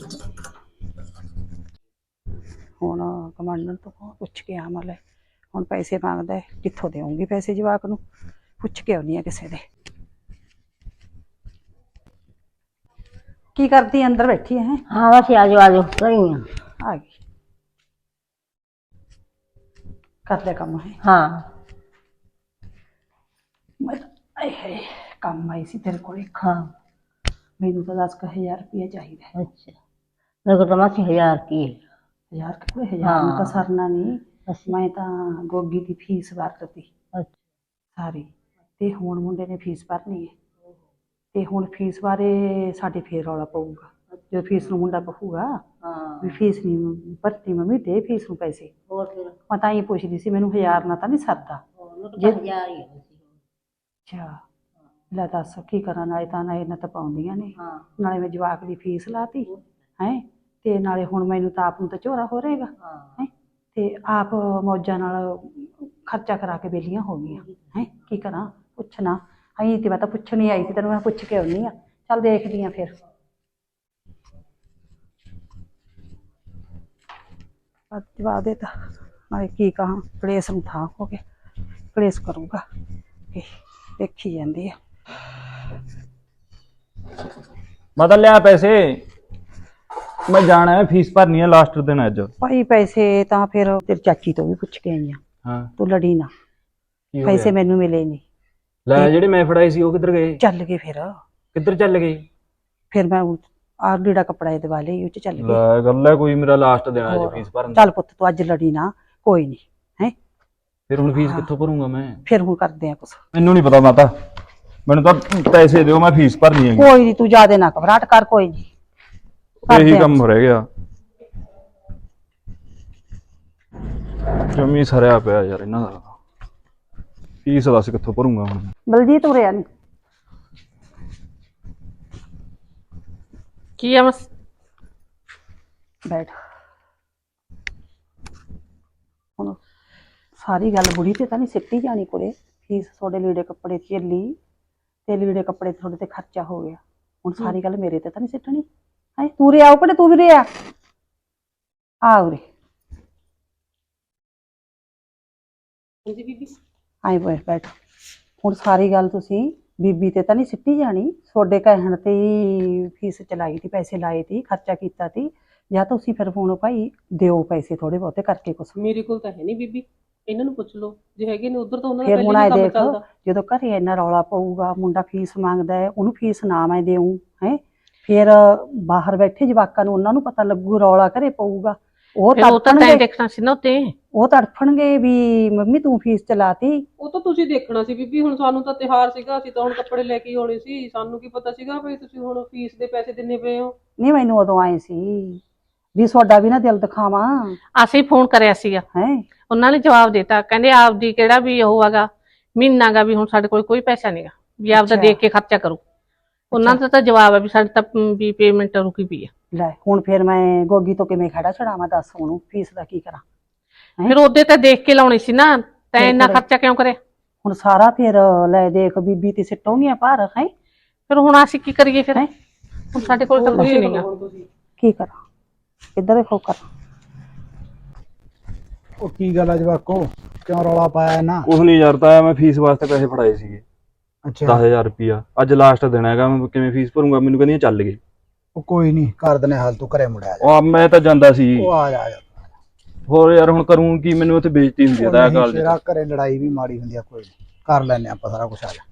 S2: ਹੁਣ ਕਮਾਂਡਰ ਤੋਂ ਪੁੱਛ ਕੇ ਆਵਾਂ। ਲੈ ਹੁਣ ਪੈਸੇ ਮੰਗਦਾ ਹੈ, ਕਿੱਥੋਂ ਦੇਵਾਂਗੀ ਪੈਸੇ ਜਵਾਕ ਨੂੰ? ਪੁੱਛ ਕੇ ਆਉਣੀ ਆ ਕਿਸੇ ਦੇ। ਕੀ ਕਰਦੀ ਆਂ? ਅੰਦਰ ਬੈਠੀ ਹੈ?
S6: ਹਾਂ ਬਸ ਆ ਜਾਓ ਆ ਜਾਓ ਕਰੀ ਆ।
S2: ਆ ਗਈ। ਕਰ ਲਿਆ ਕੰਮ ਹੈ?
S6: ਹਾਂ
S2: ਮੈਂ ਆਏ ਹਾਏ ਕੰਮ ਆਈ ਸੀ ਤੇਰੇ ਕੋਲ ਇੱਕ।
S7: ਹਾਂ
S2: ਮੈਨੂੰ ਤਾਂ ਦਸ ਕੁ ਹਜ਼ਾਰ ਰੁਪਇਆ ਚਾਹੀਦਾ ਹੈ।
S7: ਅੱਛਾ ਮੇਰੇ ਕੋਲ ਤਾਂ ਮਾਸੀ ਹਜ਼ਾਰ ਕੀ ਹੈ।
S2: ਹਜ਼ਾਰ ਕੁ ਹਜ਼ਾਰ ਨੂੰ ਤਾਂ
S7: ਹਾਂ।
S2: ਸਰਨਾ ਨਹੀਂ।
S7: ਅੱਛਾ
S2: ਮੈਂ ਤਾਂ ਗੋਗੀ ਦੀ ਫੀਸ ਭਰਤੀ
S7: ਅੱਛਾ
S2: ਸਾਰੀ, ਤੇ ਹੁਣ ਮੁੰਡੇ ਨੇ ਫੀਸ ਭਰਨੀ ਹੈ। ਤੇ ਹੁਣ ਫੀਸ ਬਾਰੇ ਸਾਡੇ ਫੇਰ ਰੌਲਾ ਪਊਗਾ ਜਦੋਂ ਫੀਸ ਨੂੰ ਮੁੰਡਾ ਕਹੂਗਾ
S7: ਹਾਂ
S2: ਵੀ ਫੀਸ ਨਹੀਂ ਭਰਤੀ ਮੰਮੀ ਦੇ ਫੀਸ ਨੂੰ ਪੈਸੇ।
S7: ਹੋਰ ਫਿਰ
S2: ਮੈਂ ਤਾਂ ਹੀ ਪੁੱਛਦੀ ਸੀ, ਮੈਨੂੰ ਹਜ਼ਾਰ ਨਾਲ ਤਾਂ ਨਹੀਂ ਸਰਦਾ।
S7: ਉਹਨੂੰ ਤਾਂ
S2: ਜੇ-
S7: ਹਜ਼ਾਰ ਹੀ ਹੈ ਮਾਸੀ।
S2: ਅੱਛਾ ਲੈ ਦੱਸ ਕੀ ਕਰਾਂ, ਨਾਲੇ ਤਾਂ ਨਾ ਇਹਨਾਂ ਤਾਂ ਪਾਉਂਦੀਆਂ ਨੇ,
S7: ਹਾਂ
S2: ਨਾਲੇ ਮੈਂ ਜਵਾਕ ਦੀ ਫੀਸ ਲਾਤੀ ਹੈ, ਤੇ ਨਾਲੇ ਹੁਣ ਮੈਨੂੰ ਤਾਂ ਆਪ ਨੂੰ ਤਾਂ ਝੋਰਾ ਹੋ ਰਹੇਗਾ
S7: ਹਾਂ
S2: ਹੈ, ਤੇ ਆਪ ਮੌਜਾਂ ਨਾਲ ਖਰਚਾ ਕਰਾ ਕੇ ਵਿਹਲੀਆਂ ਹੋ ਗਈਆਂ ਹੈ। ਕੀ ਕਰਾਂ, ਪੁੱਛਣਾ ਆਈ ਤੇ ਮੈਂ ਤਾਂ ਪੁੱਛਣੀ ਆਈ ਸੀ ਤੈਨੂੰ, ਮੈਂ ਪੁੱਛ ਕੇ ਆਉਣੀ ਆ। ਚੱਲ ਦੇਖਦੀ ਆ ਫਿਰ। ਜਵਾਬ ਦੇ ਤਾ, ਨਾਲੇ ਕੀ ਕਹਾਂ, ਕਲੇਸ਼ ਨੂੰ ਥਾਂ ਹੋ ਗਿਆ, ਕਲੇਸ਼ ਕਰੂਗਾ ਇਹ ਦੇਖੀ ਜਾਂਦੀ ਆ।
S4: ਮਾਤਾ ਲਿਆ ਪੈਸੇ, ਮੈਂ ਜਾਣਾ ਹੈ, ਫੀਸ ਭਰਨੀ ਹੈ, ਲਾਸਟ ਦਿਨ ਹੈ ਅੱਜ।
S2: ਭਾਈ ਪੈਸੇ ਤਾਂ ਫਿਰ ਤੇਰੀ ਚਾਚੀ ਤੋਂ ਵੀ ਪੁੱਛ ਕੇ ਆਈ ਆ,
S4: ਹਾਂ
S2: ਤੂੰ ਲੜੀ ਨਾ,
S4: ਕੀ ਹੋ
S2: ਪੈਸੇ
S4: ਗਿਆ?
S2: ਮੈਨੂੰ ਮਿਲੇ ਨਹੀਂ।
S4: ਲੈ ਜਿਹੜੇ ਮੈਂ ਫੜਾਏ ਸੀ ਉਹ ਕਿੱਧਰ ਗਏ?
S2: ਚੱਲ ਗਏ ਫਿਰ
S4: ਕਿੱਧਰ ਚੱਲ ਗਏ?
S2: ਫਿਰ ਮੈਂ ਆਹ ਲੀੜਾ ਕੱਪੜਾ ਇਹ ਦਵਾ ਲਈ, ਉਹ ਚ ਚੱਲ ਗਏ।
S4: ਲੈ ਗੱਲ ਹੈ ਕੋਈ, ਮੇਰਾ ਲਾਸਟ ਦਿਨ ਹੈ ਅੱਜ
S2: ਹੋਰ।
S4: ਫੀਸ ਭਰਨ ਦਾ।
S2: ਚੱਲ ਪੁੱਤ ਤੂੰ ਅੱਜ ਲੜੀ ਨਾ, ਕੋਈ ਨਹੀਂ ਹੈ,
S4: ਫਿਰ ਹੁਣ ਫੀਸ ਕਿੱਥੋਂ ਭਰੂੰਗਾ ਮੈਂ?
S2: ਫਿਰ ਹੁਣ ਕਰਦੇ ਆ ਕੁਛ।
S4: ਮੈਨੂੰ ਨਹੀਂ ਪਤਾ ਮਾਤਾ, ਮੈਨੂੰ ਤਾਂ ਪੈਸੇ ਦਿਓ, ਮੈਂ ਫੀਸ ਭਰਨੀ ਹੈਗੀ।
S2: ਕੋਈ ਨਹੀਂ ਤੂੰ ਜ਼ਿਆਦੇ ਨਾ ਘਬਰਾਹਟ ਕਰ, ਕੋਈ ਨਹੀਂ
S4: ਇਹੀ ਕੰਮ ਰਹਿ ਗਿਆ, ਜਮੀ ਸਰਿਆ ਪਿਆ ਯਾਰ ਇਹਨਾਂ ਦਾ। ਫੀਸ ਦੱਸ ਕਿੱਥੋਂ ਭਰੂੰਗਾ ਹੁਣ?
S2: ਬਲਜੀਤ ਉਰਿਆ ਨਹੀਂ
S3: ਕੀ ਆ ਬਸ
S2: ਬੈਠ। ਹੁਣ ਸਾਰੀ ਗੱਲ ਬੁੜੀ ਤੇ ਤਾਂ ਨਹੀਂ ਸਿੱਟੀ ਜਾਣੀ ਕੁੜੇ, ਫੀਸ ਤੁਹਾਡੇ ਲੀੜੇ ਕੱਪੜੇ ਚੱਲੀ ਤੇ ਲੀੜੇ ਕੱਪੜੇ ਤੁਹਾਡੇ ਤੇ ਖਰਚਾ ਹੋ ਗਿਆ, ਹੁਣ ਸਾਰੀ ਗੱਲ ਮੇਰੇ ਤੇ ਤਾਂ ਨਹੀਂ ਸਿੱਟਣੀ ਹੈ। ਤੂੰ ਰੇ ਆਓ, ਕਿਹੜੇ ਤੂੰ ਵੀ ਰੇ ਆ ਆ ਉਰੇ
S3: ਹਾਂਜੀ ਬੀਬੀ।
S2: ਆਏ ਬੈਠ ਬੈਠ। ਹੁਣ ਸਾਰੀ ਗੱਲ ਤੁਸੀਂ ਬੀਬੀ ਤੇ ਤਾਂ ਨਹੀਂ ਸਿੱਟੀ ਜਾਣੀ, ਤੁਹਾਡੇ ਕਹਿਣ ਤੇ ਹੀ ਫੀਸ ਚਲਾਈ ਤੀ, ਪੈਸੇ ਲਾਏ ਤੀ, ਖਰਚਾ ਕੀਤਾ ਤੀ, ਜਾਂ ਤੁਸੀਂ ਫਿਰ ਹੁਣ ਭਾਈ ਦਿਓ ਪੈਸੇ ਥੋੜੇ ਬਹੁਤੇ ਕਰਕੇ ਕੁਛ।
S3: ਮੇਰੇ ਕੋਲ ਤਾਂ ਹੈ ਨਹੀਂ ਬੀਬੀ, ਇਹਨਾਂ ਨੂੰ ਪੁੱਛ ਲਓ ਜੇ ਹੈਗੇ ਨੇ ਉਧਰ ਤਾਂ ਉਹਨਾਂ ਦਾ
S2: ਫਿਰ
S3: ਪਹਿਲੇ
S2: ਹੁਣ
S3: ਹੀ
S2: ਆਏ
S3: ਕੰਮ
S2: ਦੇਖ,
S3: ਚੱਲਦਾ।
S2: ਜਦੋਂ ਘਰੇ ਇੰਨਾ ਰੌਲਾ ਪਊਗਾ, ਮੁੰਡਾ ਫੀਸ ਮੰਗਦਾ ਹੈ, ਉਹਨੂੰ ਫੀਸ ਨਾ ਮੈਂ ਦੇਊਂ ਹੈ, ਫਿਰ ਬਾਹਰ ਬੈਠੇ ਜਵਾਕਾਂ ਨੂੰ ਉਹਨਾਂ ਨੂੰ ਪਤਾ ਲੱਗੂ, ਰੌਲਾ ਘਰੇ ਪਊਗਾ, ਉਹ
S3: ਫਿਰ ਉਹ ਤਾਂ ਤੈਂ
S2: ਤੜਫਣਗੇ,
S3: ਦੇਖਣਾ ਸੀ ਨਾ ਉੱਤੇ।
S2: ਉਹ ਤੜਫਣਗੇ ਵੀ ਮੰਮੀ ਤੂੰ ਫੀਸ ਚਲਾਤੀ।
S3: ਉਹ ਤਾਂ ਤੁਸੀਂ ਦੇਖਣਾ ਸੀ ਬੀਬੀ, ਹੁਣ ਸਾਨੂੰ ਤਾਂ ਤਿਉਹਾਰ ਸੀਗਾ, ਅਸੀਂ ਤਾਂ ਹੁਣ ਕੱਪੜੇ ਲੈ ਕੇ ਆਉਣੇ ਸੀ, ਸਾਨੂੰ ਕੀ ਪਤਾ ਸੀਗਾ ਵੀ ਤੁਸੀਂ ਹੁਣ ਫੀਸ ਦੇ ਪੈਸੇ ਦਿੰਨੇ ਪਏ ਹੋ।
S2: ਨਹੀਂ ਮੈਨੂੰ ਉਦੋਂ ਆਏ ਸੀ ਵੀ ਤੁਹਾਡਾ ਵੀ ਨਾ ਦਿਲ ਦਿਖਾਵਾਂ
S3: ਅਸੀਂ ਫੋਨ ਕਰਿਆ ਸੀਗਾ,
S2: ਹੈ।
S3: ਉਹਨਾਂ ਨੇ ਜਵਾਬ ਦਿੱਤਾ, ਕਹਿੰਦੇ ਆਪਦੀ ਕਿਹੜਾ ਵੀ ਉਹ ਹੈਗਾ ਮਹੀਨਾ ਗਾ, ਵੀ ਹੁਣ ਸਾਡੇ ਕੋਲ ਕੋਈ ਪੈਸਾ ਨਹੀਂਗਾ, ਵੀ ਆਪਦਾ
S2: ਅੱਛਾ।
S3: ਦੇਖ ਕੇ ਖਰਚਾ ਕਰੋ। ਉਹਨਾਂ ਦਾ ਤਾਂ ਜਵਾਬ ਹੈ ਵੀ ਸਾਡੇ ਤਾਂ ਵੀ ਪੇਮੈਂਟ ਰੁਕੀ ਪਈ ਆ।
S2: ਲੈ ਹੁਣ ਫਿਰ ਮੈਂ ਗੋਗੀ ਤੋਂ ਕਿਵੇਂ ਖੜਾ ਛੜਾਵਾਂ, ਦੱਸ ਉਹਨੂੰ ਫੀਸ ਦਾ ਕੀ ਕਰਾਂ। ਹੈਂ?
S3: ਫਿਰ ਉਹਦੇ ਤਾਂ ਦੇਖ ਕੇ ਲਾਉਣੀ ਸੀ ਨਾ, ਤੈਂ
S2: ਫਿਰ
S3: ਇੰਨਾ
S2: ਕਰੇ।
S3: ਖਰਚਾ ਕਿਉਂ ਕਰਿਆ?
S2: ਹੁਣ ਸਾਰਾ ਫਿਰ ਲੈ ਦੇਖ ਬੀਬੀ ਤੇ ਸਿੱਟੋਂਗੀਆਂ ਭਾਰ ਹੈ।
S3: ਫਿਰ ਹੁਣ ਅਸੀਂ ਕੀ ਕਰੀਏ ਫਿਰ?
S2: ਹੈਂ?
S3: ਹੁਣ ਸਾਡੇ ਕੋਲ ਤਾਂ ਕੁਝ ਨਹੀਂਗਾ।
S2: ਕੀ ਕਰਾਂ, ਕਿੱਧਰ ਦੇਖੋ ਕਰ।
S8: ਉਹ ਕੀ ਗੱਲ ਆ ਜਵਾਕੋ, ਕਿਉਂ ਰੌਲਾ ਪਾਇਆ ਨਾ?
S4: ਕੁਛ ਨਹੀਂ ਯਾਰ, ਤਾਂ ਮੈਂ ਫੀਸ ਵਾਸਤੇ ਪੈਸੇ ਫੜਾਏ ਸੀਗੇ
S8: ਅੱਛਾ
S4: ਦਸ ਹਜ਼ਾਰ ਰੁਪਇਆ। ਅੱਜ ਲਾਸਟ ਦਿਨ ਹੈਗਾ, ਮੈਂ ਕਿਵੇਂ ਫੀਸ ਭਰੂੰਗਾ? ਮੈਨੂੰ ਕਹਿੰਦੀਆਂ ਚੱਲ ਗਏ।
S8: ਉਹ ਕੋਈ ਨਹੀਂ ਕਰ ਦਨੇ ਹਾਲ, ਤੂੰ ਘਰੇ ਮੁੜਿਆ ਜਾ।
S4: ਉਹ ਮੈਂ ਤਾਂ ਜਾਂਦਾ ਸੀ,
S8: ਉਹ ਆ ਜਾ ਆ ਜਾ।
S4: ਹੋਰ ਯਾਰ ਹੁਣ ਕਰੂੰ ਕੀ, ਮੈਨੂੰ ਉੱਥੇ ਬੇਇੱਜ਼ਤੀ ਹੁੰਦੀ ਹੈ
S8: ਉਹ
S4: ਤਾਂ
S8: ਨਹੀਂ
S4: ਕਾਲਜ
S8: ਸ਼ੇਰਾ, ਘਰੇ ਲੜਾਈ ਵੀ ਮਾੜੀ ਹੁੰਦੀ ਆ, ਕੋਈ ਨੀ ਕਰ ਲੈਨੇ ਆਪਾਂ ਸਾਰਾ ਕੁਝ। ਆ ਜਾ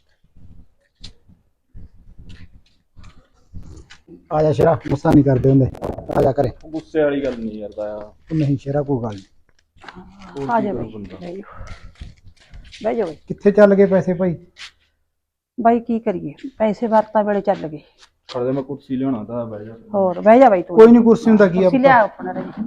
S8: ਆ ਜਾ ਸ਼ੇਰਾ, ਗੁੱਸਾ ਨਹੀਂ ਕਰਦੇ ਹੁੰਦੇ, ਆ ਜਾ ਘਰੇ।
S4: ਗੁੱਸੇ ਵਾਲੀ ਗੱਲ ਨਹੀਂ ਯਾਰ ਤਾਇਆ।
S8: ਉਹ ਨਹੀਂ ਸ਼ੇਰਾ, ਕੋਈ ਗੱਲ ਨਹੀਂ।
S2: ਆ ਜਾ ਬਈ, ਬਹਿ ਜਾ ਬਹਿ ਜਾ ਬਈ।
S8: ਕਿੱਥੇ ਚੱਲ ਗਏ ਪੈਸੇ ਭਾਈ?
S2: ਬਾਈ ਕੀ ਕਰੀਏ, ਪੈਸੇ ਵਰਤਾ ਵੇਲੇ ਚੱਲ ਗਏ।
S4: ਖੜਦੇ ਮੈਂ ਕੁਰਸੀ ਲਿਆਉਣਾ ਤਾਂ ਬਹਿ ਜਾ।
S2: ਹੋਰ ਬਹਿ ਜਾ ਬਾਈ ਤੂੰ।
S8: ਕੋਈ ਨਹੀਂ, ਕੁਰਸੀ ਹੁੰਦਾ ਕੀ ਆ।
S2: ਕੁਰਸੀ ਲਿਆ ਆਪਣਾ ਰਹੀ।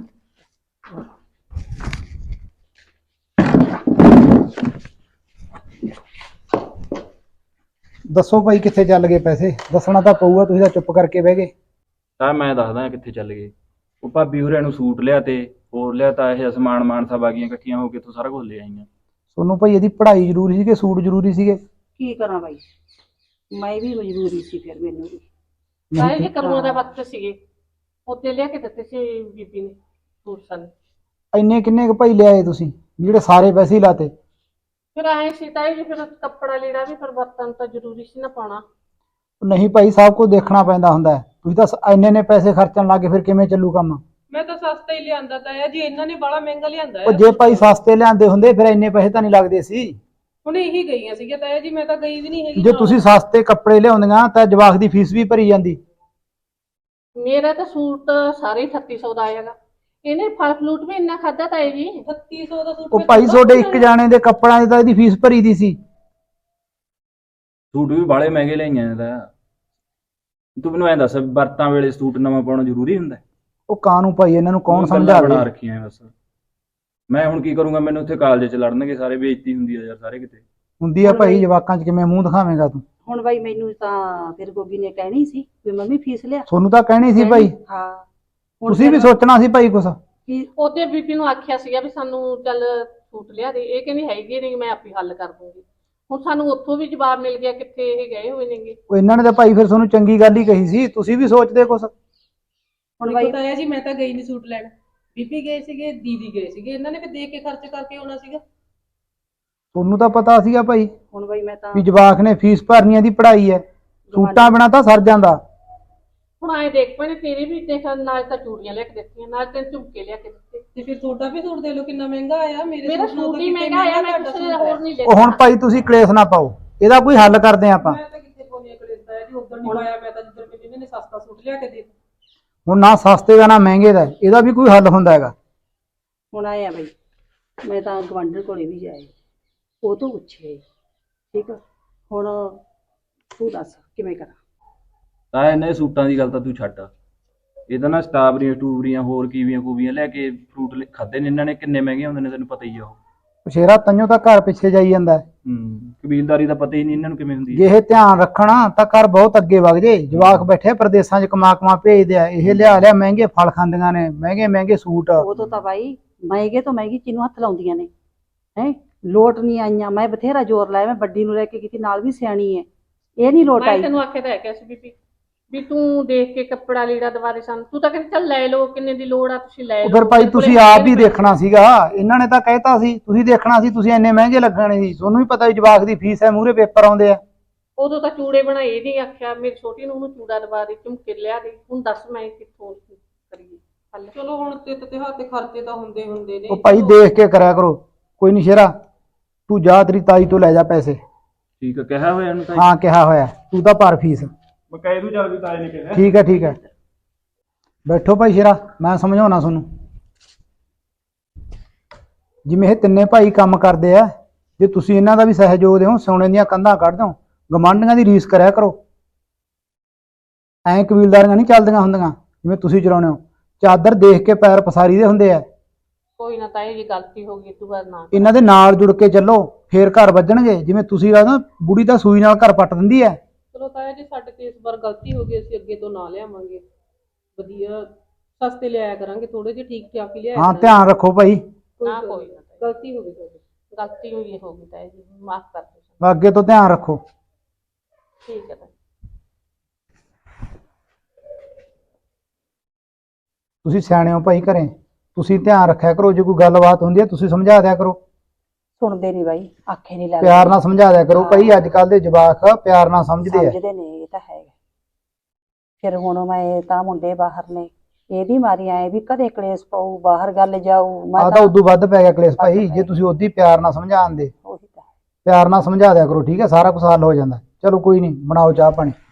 S8: ਦੱਸੋ ਭਾਈ ਕਿੱਥੇ ਚੱਲ ਗਏ ਪੈਸੇ? ਦੱਸਣਾ ਤਾਂ ਪਊਗਾ, ਤੁਸੀਂ ਤਾਂ ਚੁੱਪ ਕਰਕੇ ਬਹਿ ਗਏ।
S4: ਤਾਂ ਮੈਂ ਦੱਸਦਾ ਕਿੱਥੇ ਚੱਲ ਗਏ। ਉਹ ਭਾਬੀ ਹੋਰਾਂ ਨੂੰ ਸੂਟ ਲਿਆ ਤੇ ਹੋਰ ਲਿਆ ਤਾਂ ਇਹ ਸਮਾਨ ਮਾਨਸਾ ਬਾਗੀਆਂ ਇਕੱਠੀਆਂ ਹੋ ਕੇ ਇੱਥੋਂ ਸਾਰਾ ਕੁਝ ਲੈ ਆਈਆਂ।
S8: ਤੁਹਾਨੂੰ ਭਾਈ ਇਹਦੀ ਪੜ੍ਹਾਈ ਜ਼ਰੂਰੀ ਸੀ ਕਿ ਸੂਟ ਜ਼ਰੂਰੀ ਸੀਗੇ?
S2: ਕੀ ਕਰਾਂ ਬਾਈ, ਮੈਂ ਵੀ ਮਜਬੂਰੀ ਸੀ, ਫਿਰ ਮੈਨੂੰ ਵੀ
S3: ਸਾਰੇ ਜੇ ਕਰੂਆਂ ਦਾ ਵਕਤ ਸੀਗੇ, ਉੱਤੇ ਲਿਆ ਕੇ ਦਿੱਤੇ ਸੀ ਬੀਬੀ ਨੇ ਸੂਟ ਸਾਨੂੰ।
S8: ਇੰਨੇ ਕਿੰਨੇ ਕੁ ਭਾਈ ਲਿਆਏ ਤੁਸੀਂ, ਜਿਹੜੇ ਸਾਰੇ ਪੈਸੇ ਹੀ ਲਾਤੇ?
S3: ਫਿਰ ਆਏ ਸੀ ਤਾਂ ਜੀ, ਫਿਰ ਕੱਪੜਾ ਲੀੜਾ ਵੀ ਫਿਰ ਵਰਤਨ ਤਾਂ ਜ਼ਰੂਰੀ ਸੀ ਨਾ ਪਾਉਣਾ।
S8: ਨਹੀਂ ਭਾਈ, ਸਭ ਕੁਝ ਦੇਖਣਾ ਪੈਂਦਾ ਹੁੰਦਾ ਹੈ। ਤੁਸੀਂ ਤਾਂ ਇੰਨੇ ਨੇ ਪੈਸੇ ਖਰਚਣ ਲੱਗੇ, ਫਿਰ ਕਿਵੇਂ ਚੱਲੂ ਕੰਮ?
S3: ਮੈਂ ਤਾਂ ਸਸਤਾ ਹੀ ਲਿਆਂਦਾ ਤਾਂ ਹੈ ਜੀ, ਇਹਨਾਂ ਨੇ ਬੜਾ ਮਹਿੰਗਾ ਲਿਆਂਦਾ
S8: ਉਹ
S3: ਹੈ।
S8: ਜੇ ਭਾਈ ਸਸਤੇ ਲਿਆਂਦੇ ਹੁੰਦੇ ਫਿਰ ਇੰਨੇ ਪੈਸੇ ਤਾਂ ਨਹੀਂ ਲੱਗਦੇ ਸੀ।
S3: ਹੁਣ ਇਹੀ ਗਈਆਂ ਸੀਗੀਆਂ ਤਾਇਆ ਜੀ, ਮੈਂ ਤਾਂ ਗਈ ਵੀ ਨਹੀਂ ਹੈਗੀ
S8: ਜੇ
S3: ਨਾਲ।
S8: ਤੁਸੀਂ ਸਸਤੇ ਕੱਪੜੇ ਲਿਆਉਂਦੀਆਂ ਤਾਂ ਜਵਾਕ ਦੀ ਫੀਸ ਵੀ ਭਰੀ ਜਾਂਦੀ।
S1: ਮੇਰਾ ਤਾਂ ਸੂਟ ਸਾਰੇ ਅਠੱਤੀ ਸੌ ਦਾ ਆਏਗਾ। ਇਹਨੇ ਫਲ ਫਲੂਟ ਵੀ ਇੰਨਾ ਖਾਦਾ ਤਾਏ ਜੀ।
S3: ਅਠੱਤੀ ਸੌ ਦਾ ਸੂਟ
S8: ਉਹ
S3: ਫਿਰ
S8: ਭਾਈ
S3: ਥੋੜ੍ਹਾ
S8: ਤੁਹਾਡੇ
S3: ਹੁੰਦਾ
S8: ਇੱਕ ਜਾਣੇ ਦੇ ਕੱਪੜਾਂ ਦੀ ਤਾਂ ਇਹਦੀ ਫੀਸ ਭਰੀ ਦੀ ਸੀ।
S4: ਸੂਟ ਵੀ ਬਾਲੇ ਮਹਿੰਗੇ ਲਈਆਂ ਤਾਂ ਤੂੰ ਮੈਨੂੰ ਐਂ ਦੱਸ ਵਰਤਾਂ ਵੇਲੇ ਸੂਟ ਨਵਾਂ ਪਾਉਣਾ ਜ਼ਰੂਰੀ ਹੁੰਦਾ?
S8: ਉਹ ਕਾਨੂੰ ਭਾਈ ਇਹਨਾਂ ਨੂੰ ਕੌਣ
S4: ਤੂੰ ਗੱਲਾਂ ਬਣਾ
S8: ਸਮਝਾਵੇ।
S4: ਰੱਖੀਆਂ ਬਸ। ਮੈਂ ਹੁਣ ਕੀ ਕਰੂੰਗਾ, ਮੈਨੂੰ ਉੱਥੇ ਕਾਲਜ ਚ ਲੜਨਗੇ ਸਾਰੇ, ਬੇਇੱਜ਼ਤੀ ਹੁੰਦੀ ਆ ਯਾਰ ਸਾਰੇ ਕਿਤੇ।
S8: ਹੁੰਦੀ ਆ ਭਾਈ, ਜਵਾਕਾਂ 'ਚ ਕਿਵੇਂ ਮੂੰਹ ਦਿਖਾਵੇਂਗਾ ਤੂੰ?
S2: ਹੁਣ ਬਾਈ ਮੈਨੂੰ ਤਾਂ ਫਿਰ ਗੋਗੀ ਨੇ ਕਹਿਣੀ ਸੀ ਵੀ ਮੰਮੀ ਫੀਸ ਲਿਆ।
S8: ਤੁਹਾਨੂੰ ਤਾਂ ਕਹਿਣੀ ਸੀ ਭਾਈ,
S2: ਹਾਂ ਹੁਣ
S8: ਤੁਸੀਂ ਵੀ
S2: ਫਿਰ
S8: ਸੋਚਣਾ ਸੀ ਭਾਈ ਕੁਛ।
S2: ਕੀ-
S1: ਉਹਦੇ ਬੀਬੀ ਨੂੰ ਆਖਿਆ ਸੀਗਾ ਵੀ ਸਾਨੂੰ ਚੱਲ ਸੂਟ ਲਿਆ ਦੇ, ਇਹ ਕਹਿੰਦੀ ਹੈਗੀ ਨਹੀਂ, ਮੈਂ ਆਪੇ ਹੱਲ ਕਰ ਦੂੰਗੀ। ਹੁਣ ਸਾਨੂੰ ਉੱਥੋਂ ਵੀ ਜਵਾਬ ਮਿਲ ਗਿਆ ਕਿੱਥੇ ਇਹ ਗਏ ਹੋਏ ਨੇਗੇ।
S8: ਉਹ ਇਹਨਾਂ ਨੇ ਤਾਂ ਭਾਈ ਫਿਰ ਤੁਹਾਨੂੰ ਚੰਗੀ ਗੱਲ ਹੀ ਕਹੀ ਸੀ, ਤੁਸੀਂ ਵੀ ਸੋਚਦੇ ਕੁਛ।
S2: ਹੁਣ
S3: ਦੇਖੋ
S2: ਬਾਈ
S3: ਤਾਇਆ ਜੀ, ਮੈਂ ਤਾਂ ਗਈ ਨਹੀਂ ਸੂਟ ਲੈਣ। ਬੀਬੀ ਗਏ ਸੀਗੇ, ਦੀਦੀ ਗਏ ਸੀਗੇ, ਇਹਨਾਂ ਨੇ ਫਿਰ ਦੇਖ ਕੇ ਖਰਚ ਕਰਕੇ ਆਉਣਾ ਸੀਗਾ।
S8: ਤੁਹਾਨੂੰ ਤਾਂ ਪਤਾ ਸੀਗਾ ਭਾਈ
S2: ਹੁਣ ਬਾਈ ਮੈਂ ਤਾਂ
S8: ਵੀ ਜਵਾਕ ਨੇ ਫੀਸ ਭਰਨੀ ਆ, ਦੀ ਪੜ੍ਹਾਈ ਹੈ, ਸੂਟਾਂ ਬਿਨਾਂ ਤਾਂ ਸਰ ਜਾਂਦਾ।
S1: ਹੁਣ ਆਏ ਦੇਖ ਪੈਣੇ ਤੇਰੀ ਵੀ ਦੇਖ, ਨਾਲ ਤਾਂ ਚੂੜੀਆਂ ਲਿਆ ਕੇ ਦਿੱਤੀਆਂ, ਨਾਲ ਤੈਨੂੰ ਝੁਮਕੇ ਲਿਆ ਕੇ ਦਿੱਤੇ।
S3: ਤੇ ਫਿਰ ਤੁਹਾਡਾ ਵੀ ਸੂਟ ਦੇ ਲਓ ਕਿੰਨਾ ਮਹਿੰਗਾ ਆਇਆ। ਮੇਰੇ
S1: ਮੇਰਾ
S3: ਸੂਟ ਨਾਲੋਂ
S1: ਸੂਟ
S3: ਤਾਂ
S1: ਹੀ
S3: ਕਿਤੇ
S1: ਮਹਿੰਗਾ ਆਇਆ, ਮੈਂ
S3: ਤੁਹਾਡਾ
S1: ਕਿਸੇ
S3: ਸੂਟ
S1: ਦਾ
S3: ਹੈ।
S1: ਹੋਰ ਨਹੀਂ
S8: ਉਹ ਹੁਣ
S1: ਲੈਣਾ।
S8: ਭਾਈ ਤੁਸੀਂ ਕਲੇਸ਼ ਨਾ ਪਾਓ, ਇਹਦਾ ਕੋਈ ਹੱਲ ਕਰਦੇ ਆਪਾਂ।
S3: ਮੈਂ ਤਾਂ ਕਿੱਥੇ ਪਾਉਣੀ ਕਲੇਸ਼ ਤਾਇਆ ਜੀ, ਉਦੋਂ ਨਹੀਂ ਪਾਇਆ ਮੈਂ ਤਾਂ, ਜਿੱਦਣ ਮੈਨੂੰ ਇਹਨਾਂ ਨੇ ਸਸਤਾ ਸੂਟ ਲਿਆ ਕੇ ਦੇ ਦਿੱਤਾ।
S8: ਹੁਣ ਨਾ ਸਸਤੇ ਦਾ ਨਾ ਮਹਿੰਗੇ ਦਾ, ਇਹਦਾ ਵੀ ਕੋਈ ਹੱਲ ਹੁੰਦਾ ਹੈਗਾ।
S2: ਹੁਣ ਆਏ ਆ ਬਾਈ, ਮੈਂ ਤਾਂ ਗਵਾਂਢਣ ਕੋਲੇ ਵੀ ਜਾਏ, ਉਹ ਤੋਂ ਪੁੱਛੇ, ਠੀਕ ਆ। ਹੁਣ ਤੂੰ ਦੱਸ ਕਿਵੇਂ ਕਰਾਂ?
S4: ਤਾਂ ਇਹਨੇ ਸੂਟਾਂ ਦੀ ਗੱਲ ਤਾਂ ਤੂੰ ਛੱਡ, ਇਹਦਾ ਨਾ ਸਟ੍ਰਾਬਰੀਆਂ ਟੂਬਰੀਆਂ ਹੋਰ ਕੀਵੀਆਂ ਕੂਵੀਆਂ ਲੈ ਕੇ ਫਰੂਟ ਖਾਦੇ ਨੇ ਇਹਨਾਂ ਨੇ, ਕਿੰਨੇ ਮਹਿੰਗੇ ਹੁੰਦੇ ਨੇ ਤੈਨੂੰ ਪਤਾ ਹੀ ਆ। ਉਹ
S8: ਸ਼ੇਰਾ ਤਈਓ ਤਾਂ ਘਰ ਪਿੱਛੇ ਜਾਈ ਜਾਂਦਾ ਹੈ।
S4: ਹੂੰ ਕਬੀਲਦਾਰੀ ਦਾ ਪਤਾ ਹੀ ਨਹੀਂ ਇਹਨਾਂ ਨੂੰ ਕਿਵੇਂ ਹੁੰਦੀ
S8: ਜੇ
S4: ਹੈ।
S8: ਇਹ ਧਿਆਨ ਰੱਖਣਾ ਤਾਂ ਘਰ ਬਹੁਤ ਅੱਗੇ ਵਗ ਜੇ। ਜਵਾਕ ਬੈਠੇ ਪ੍ਰਦੇਸਾਂ 'ਚ ਕਮਾ ਕਮਾ ਭੇਜਦੇ ਆ, ਇਹ ਲਿਆ ਲਿਆ ਮਹਿੰਗੇ ਫਲ ਖਾਂਦੀਆਂ ਨੇ, ਮਹਿੰਗੇ ਮਹਿੰਗੇ ਸੂਟ।
S2: ਉਹ ਤੋਂ ਤਾਂ ਬਾਈ ਮਹਿੰਗੇ ਤੋਂ ਮਹਿੰਗੀ ਚੀਜ਼ ਨੂੰ ਹੱਥ ਲਾਉਂਦੀਆਂ ਨੇ ਹੈ। ਲੋਟ ਨਹੀਂ ਆਈਆਂ, ਮੈਂ ਬਥੇਰਾ ਜ਼ੋਰ ਲਾਇਆ, ਮੈਂ ਵੱਡੀ ਨੂੰ ਲੈ ਕੇ ਕੀਤੀ, ਨਾਲ ਵੀ ਸਿਆਣੀ ਹੈ, ਇਹ ਨਹੀਂ ਲੋਟ
S1: ਮੈਂ
S2: ਆਈ।
S1: ਤੈਨੂੰ ਆਖਿਆ ਤਾਂ ਹੈ ਕਿ ਸੀ ਬੀਬੀ ਵੀ ਤੂੰ ਦੇਖ ਕੇ ਕੱਪੜਾ ਲੀੜਾ ਦਵਾਰੇ ਸਾਨੂੰ, ਤੂੰ ਤਾਂ ਕਹਿੰਦੀ ਚੱਲ ਲੈ ਲਓ, ਕਿੰਨੇ ਦੀ ਲੋੜ ਆ ਤੁਸੀਂ ਲੈ
S8: ਉਹ
S1: ਲਓ।
S8: ਫਿਰ ਭਾਈ
S1: ਮੇਰੇ ਕੋਲੇ
S8: ਤੁਸੀਂ
S1: ਹੈਗੇ
S8: ਆਪ ਹੀ
S1: ਨੇ
S8: ਦੇਖਣਾ ਸੀਗਾ, ਇਹਨਾਂ ਨੇ ਤਾਂ ਕਹਿਤਾ ਸੀ, ਤੁਸੀਂ ਦੇਖਣਾ ਸੀ, ਤੁਸੀਂ ਇੰਨੇ ਮਹਿੰਗੇ ਲੱਗਣੇ ਸੀ। ਤੁਹਾਨੂੰ ਵੀ ਪਤਾ ਵੀ ਜਵਾਕ ਦੀ ਫੀਸ ਹੈ, ਮੂਹਰੇ ਪੇਪਰ ਆਉਂਦੇ ਆ।
S1: ਉਦੋਂ ਤਾਂ ਚੂੜੇ ਬਣਾਏ, ਇਹ ਨਹੀਂ ਆਖਿਆ ਮੇਰੀ ਛੋਟੀ ਨੂੰ ਉਹਨੂੰ ਚੂੜਾ ਦਵਾ ਦੇ, ਝੁਮਕੇ ਲਿਆ ਦੇ। ਹੁਣ ਦੱਸ ਮੈਂ ਕਿੱਥੋਂ ਕਰੀਏ ਹੱਲ?
S3: ਚਲੋ ਹੁਣ ਤਿੱਤ ਤੇ ਹੱਥ ਖਰਚੇ ਤਾਂ ਹੁੰਦੇ ਹੁੰਦੇ ਨੇ।
S8: ਉਹ ਭਾਈ ਦੇਖ ਕੇ ਕਰਿਆ ਕਰੋ। ਕੋਈ ਨਹੀਂ ਸ਼ੇਰਾ, ਤੂੰ ਜਾ ਤੇਰੀ ਤਾਈ ਤੋਂ ਲੈ ਜਾ ਪੈਸੇ।
S4: ਠੀਕ ਆ, ਕਿਹਾ ਹੋਇਆ ਇਹਨੂੰ ਤਾਂ।
S8: ਹਾਂ ਕਿਹਾ ਹੋਇਆ, ਤੂੰ ਤਾਂ ਭਰ ਫੀਸ।
S4: ਮੈਂ ਕਹਿ ਦੂੰ ਚੱਲ ਵੀ ਤਾਏ ਨੇ ਕਿਹਾ।
S8: ਠੀਕ ਹੈ ਠੀਕ ਹੈ, ਬੈਠੋ ਭਾਈ ਸ਼ੇਰਾ, ਮੈਂ ਸਮਝਾਉਣਾ ਤੁਹਾਨੂੰ। ਜਿਵੇਂ ਇਹ ਤਿੰਨੇ ਭਾਈ ਕੰਮ ਕਰਦੇ ਆ, ਜੇ ਤੁਸੀਂ ਇਹਨਾਂ ਦਾ ਵੀ ਸਹਿਯੋਗ ਦਿਓ, ਸੋਨੇ ਦੀਆਂ ਕੰਧਾਂ ਕੱਢ ਦਿਓ, ਗਮਾਂਡੀਆਂ ਦੀ ਰੀਸ ਕਰਿਆ ਕਰੋ। ਐਂ ਕਬੀਲਦਾਰੀਆਂ ਨਹੀਂ ਚੱਲਦੀਆਂ ਹੁੰਦੀਆਂ ਜਿਵੇਂ ਤੁਸੀਂ ਚਲਾਉਂਦੇ ਹੋ। ਚਾਦਰ ਦੇਖ ਕੇ ਪੈਰ ਪਸਾਰੀ ਦੇ ਹੁੰਦੇ ਆ।
S1: ਕੋਈ ਨਾ ਤਾਈ ਜੀ, ਗਲਤੀ ਹੋ ਗਈ, ਤੂੰ ਬਾਅਦ ਨਾ।
S8: ਇਹਨਾਂ ਦੇ ਨਾਲ ਜੁੜ ਕੇ ਚੱਲੋ, ਫੇਰ ਘਰ ਵੱਜਣਗੇ। ਜਿਵੇਂ ਤੁਸੀਂ ਕਹਿੰਦੇ ਬੁੜੀ ਤਾਂ ਸੂਈ ਨਾਲ ਘਰ ਪੱਟ ਦਿੰਦੀ ਹੈ।
S3: ਚਲੋ ਤਾਇਆ ਜੀ, ਸਾਡੇ ਤੇ ਇਸ ਵਾਰ ਗਲਤੀ ਹੋ ਗਈ, ਅਸੀਂ ਅੱਗੇ ਤੋਂ ਨਾ ਲਿਆਵਾਂਗੇ। ਵਧੀਆ ਸਸਤੇ ਲਿਆਇਆ ਕਰਾਂਗੇ, ਥੋੜੇ ਜਿਹੇ ਠੀਕ ਠਾਕ ਹੀ ਲਿਆਇਆ
S8: ਹਾਂ
S3: ਕਰਾਂਗੇ।
S8: ਧਿਆਨ ਰੱਖੋ ਭਾਈ,
S1: ਨਾ ਕੋਈ ਨਾ ਤਾਈ,
S3: ਗਲਤੀ ਹੋ ਗਈ ਤੁਹਾਡੀ।
S1: ਗਲਤੀ ਹੋਈ ਹੋ ਗਈ ਤਾਈ ਜੀ, ਮਾਫ ਕਰ ਦਿਓ।
S8: ਅੱਗੇ ਤੋਂ ਧਿਆਨ ਰੱਖੋ।
S1: ਠੀਕ ਹੈ ਤਾਈ।
S8: ਤੁਸੀਂ ਸਿਆਣੇ ਹੋ ਭਾਈ ਘਰੇ, ਤੁਸੀਂ ਧਿਆਨ ਰੱਖਿਆ ਕਰੋ। ਜੇ ਕੋਈ ਗੱਲਬਾਤ ਹੁੰਦੀ ਹੈ ਤੁਸੀਂ ਸਮਝਾ ਦਿਆ ਕਰੋ,
S2: ਸੁਣਦੇ ਨਹੀਂ ਬਾਈ, ਆਖੇ ਨਹੀਂ ਲੱਗਦੇ,
S8: ਪਿਆਰ ਨਾਲ ਸਮਝਾ ਦਿਆ ਕਰੋ ਭਾਈ। ਅੱਜ ਕੱਲ ਦੇ ਜਵਾਕ ਪਿਆਰ ਨਾਲ ਸਮਝਦੇ ਆ।
S2: ਸਮਝਦੇ ਨੇ, ਇਹ ਤਾਂ ਹੈਗਾ। ਫਿਰ ਹੁਣ ਮੈਂ ਤਾਂ ਮੁੰਡੇ ਬਾਹਰ ਨੇ, ਇਹਦੀ ਮਾਰੀ ਆਏ ਵੀ ਕਦੇ ਕਲੇਸ਼ ਪਾਊ, ਬਾਹਰ ਗੱਲ ਜਾਊ। ਮੈਂ
S8: ਆ ਤਾਂ ਉਦੋਂ ਵੱਧ ਪੈ ਗਿਆ ਕਲੇਸ਼ ਭਾਈ। ਜੇ ਤੁਸੀਂ ਉਹਦੀ ਪਿਆਰ ਨਾਲ ਸਮਝਾਉਂਦੇ,
S2: ਉਹੀ ਤਾਂ
S8: ਪਿਆਰ ਨਾਲ ਸਮਝਾ ਦਿਆ ਕਰੋ, ਠੀਕ ਹੈ, ਸਾਰਾ ਕੁਝ ਹੱਲ ਹੋ ਜਾਂਦਾ। ਚਲੋ ਕੋਈ ਨਹੀਂ, ਬਣਾਓ ਚਾਹ ਪਾਣੀ।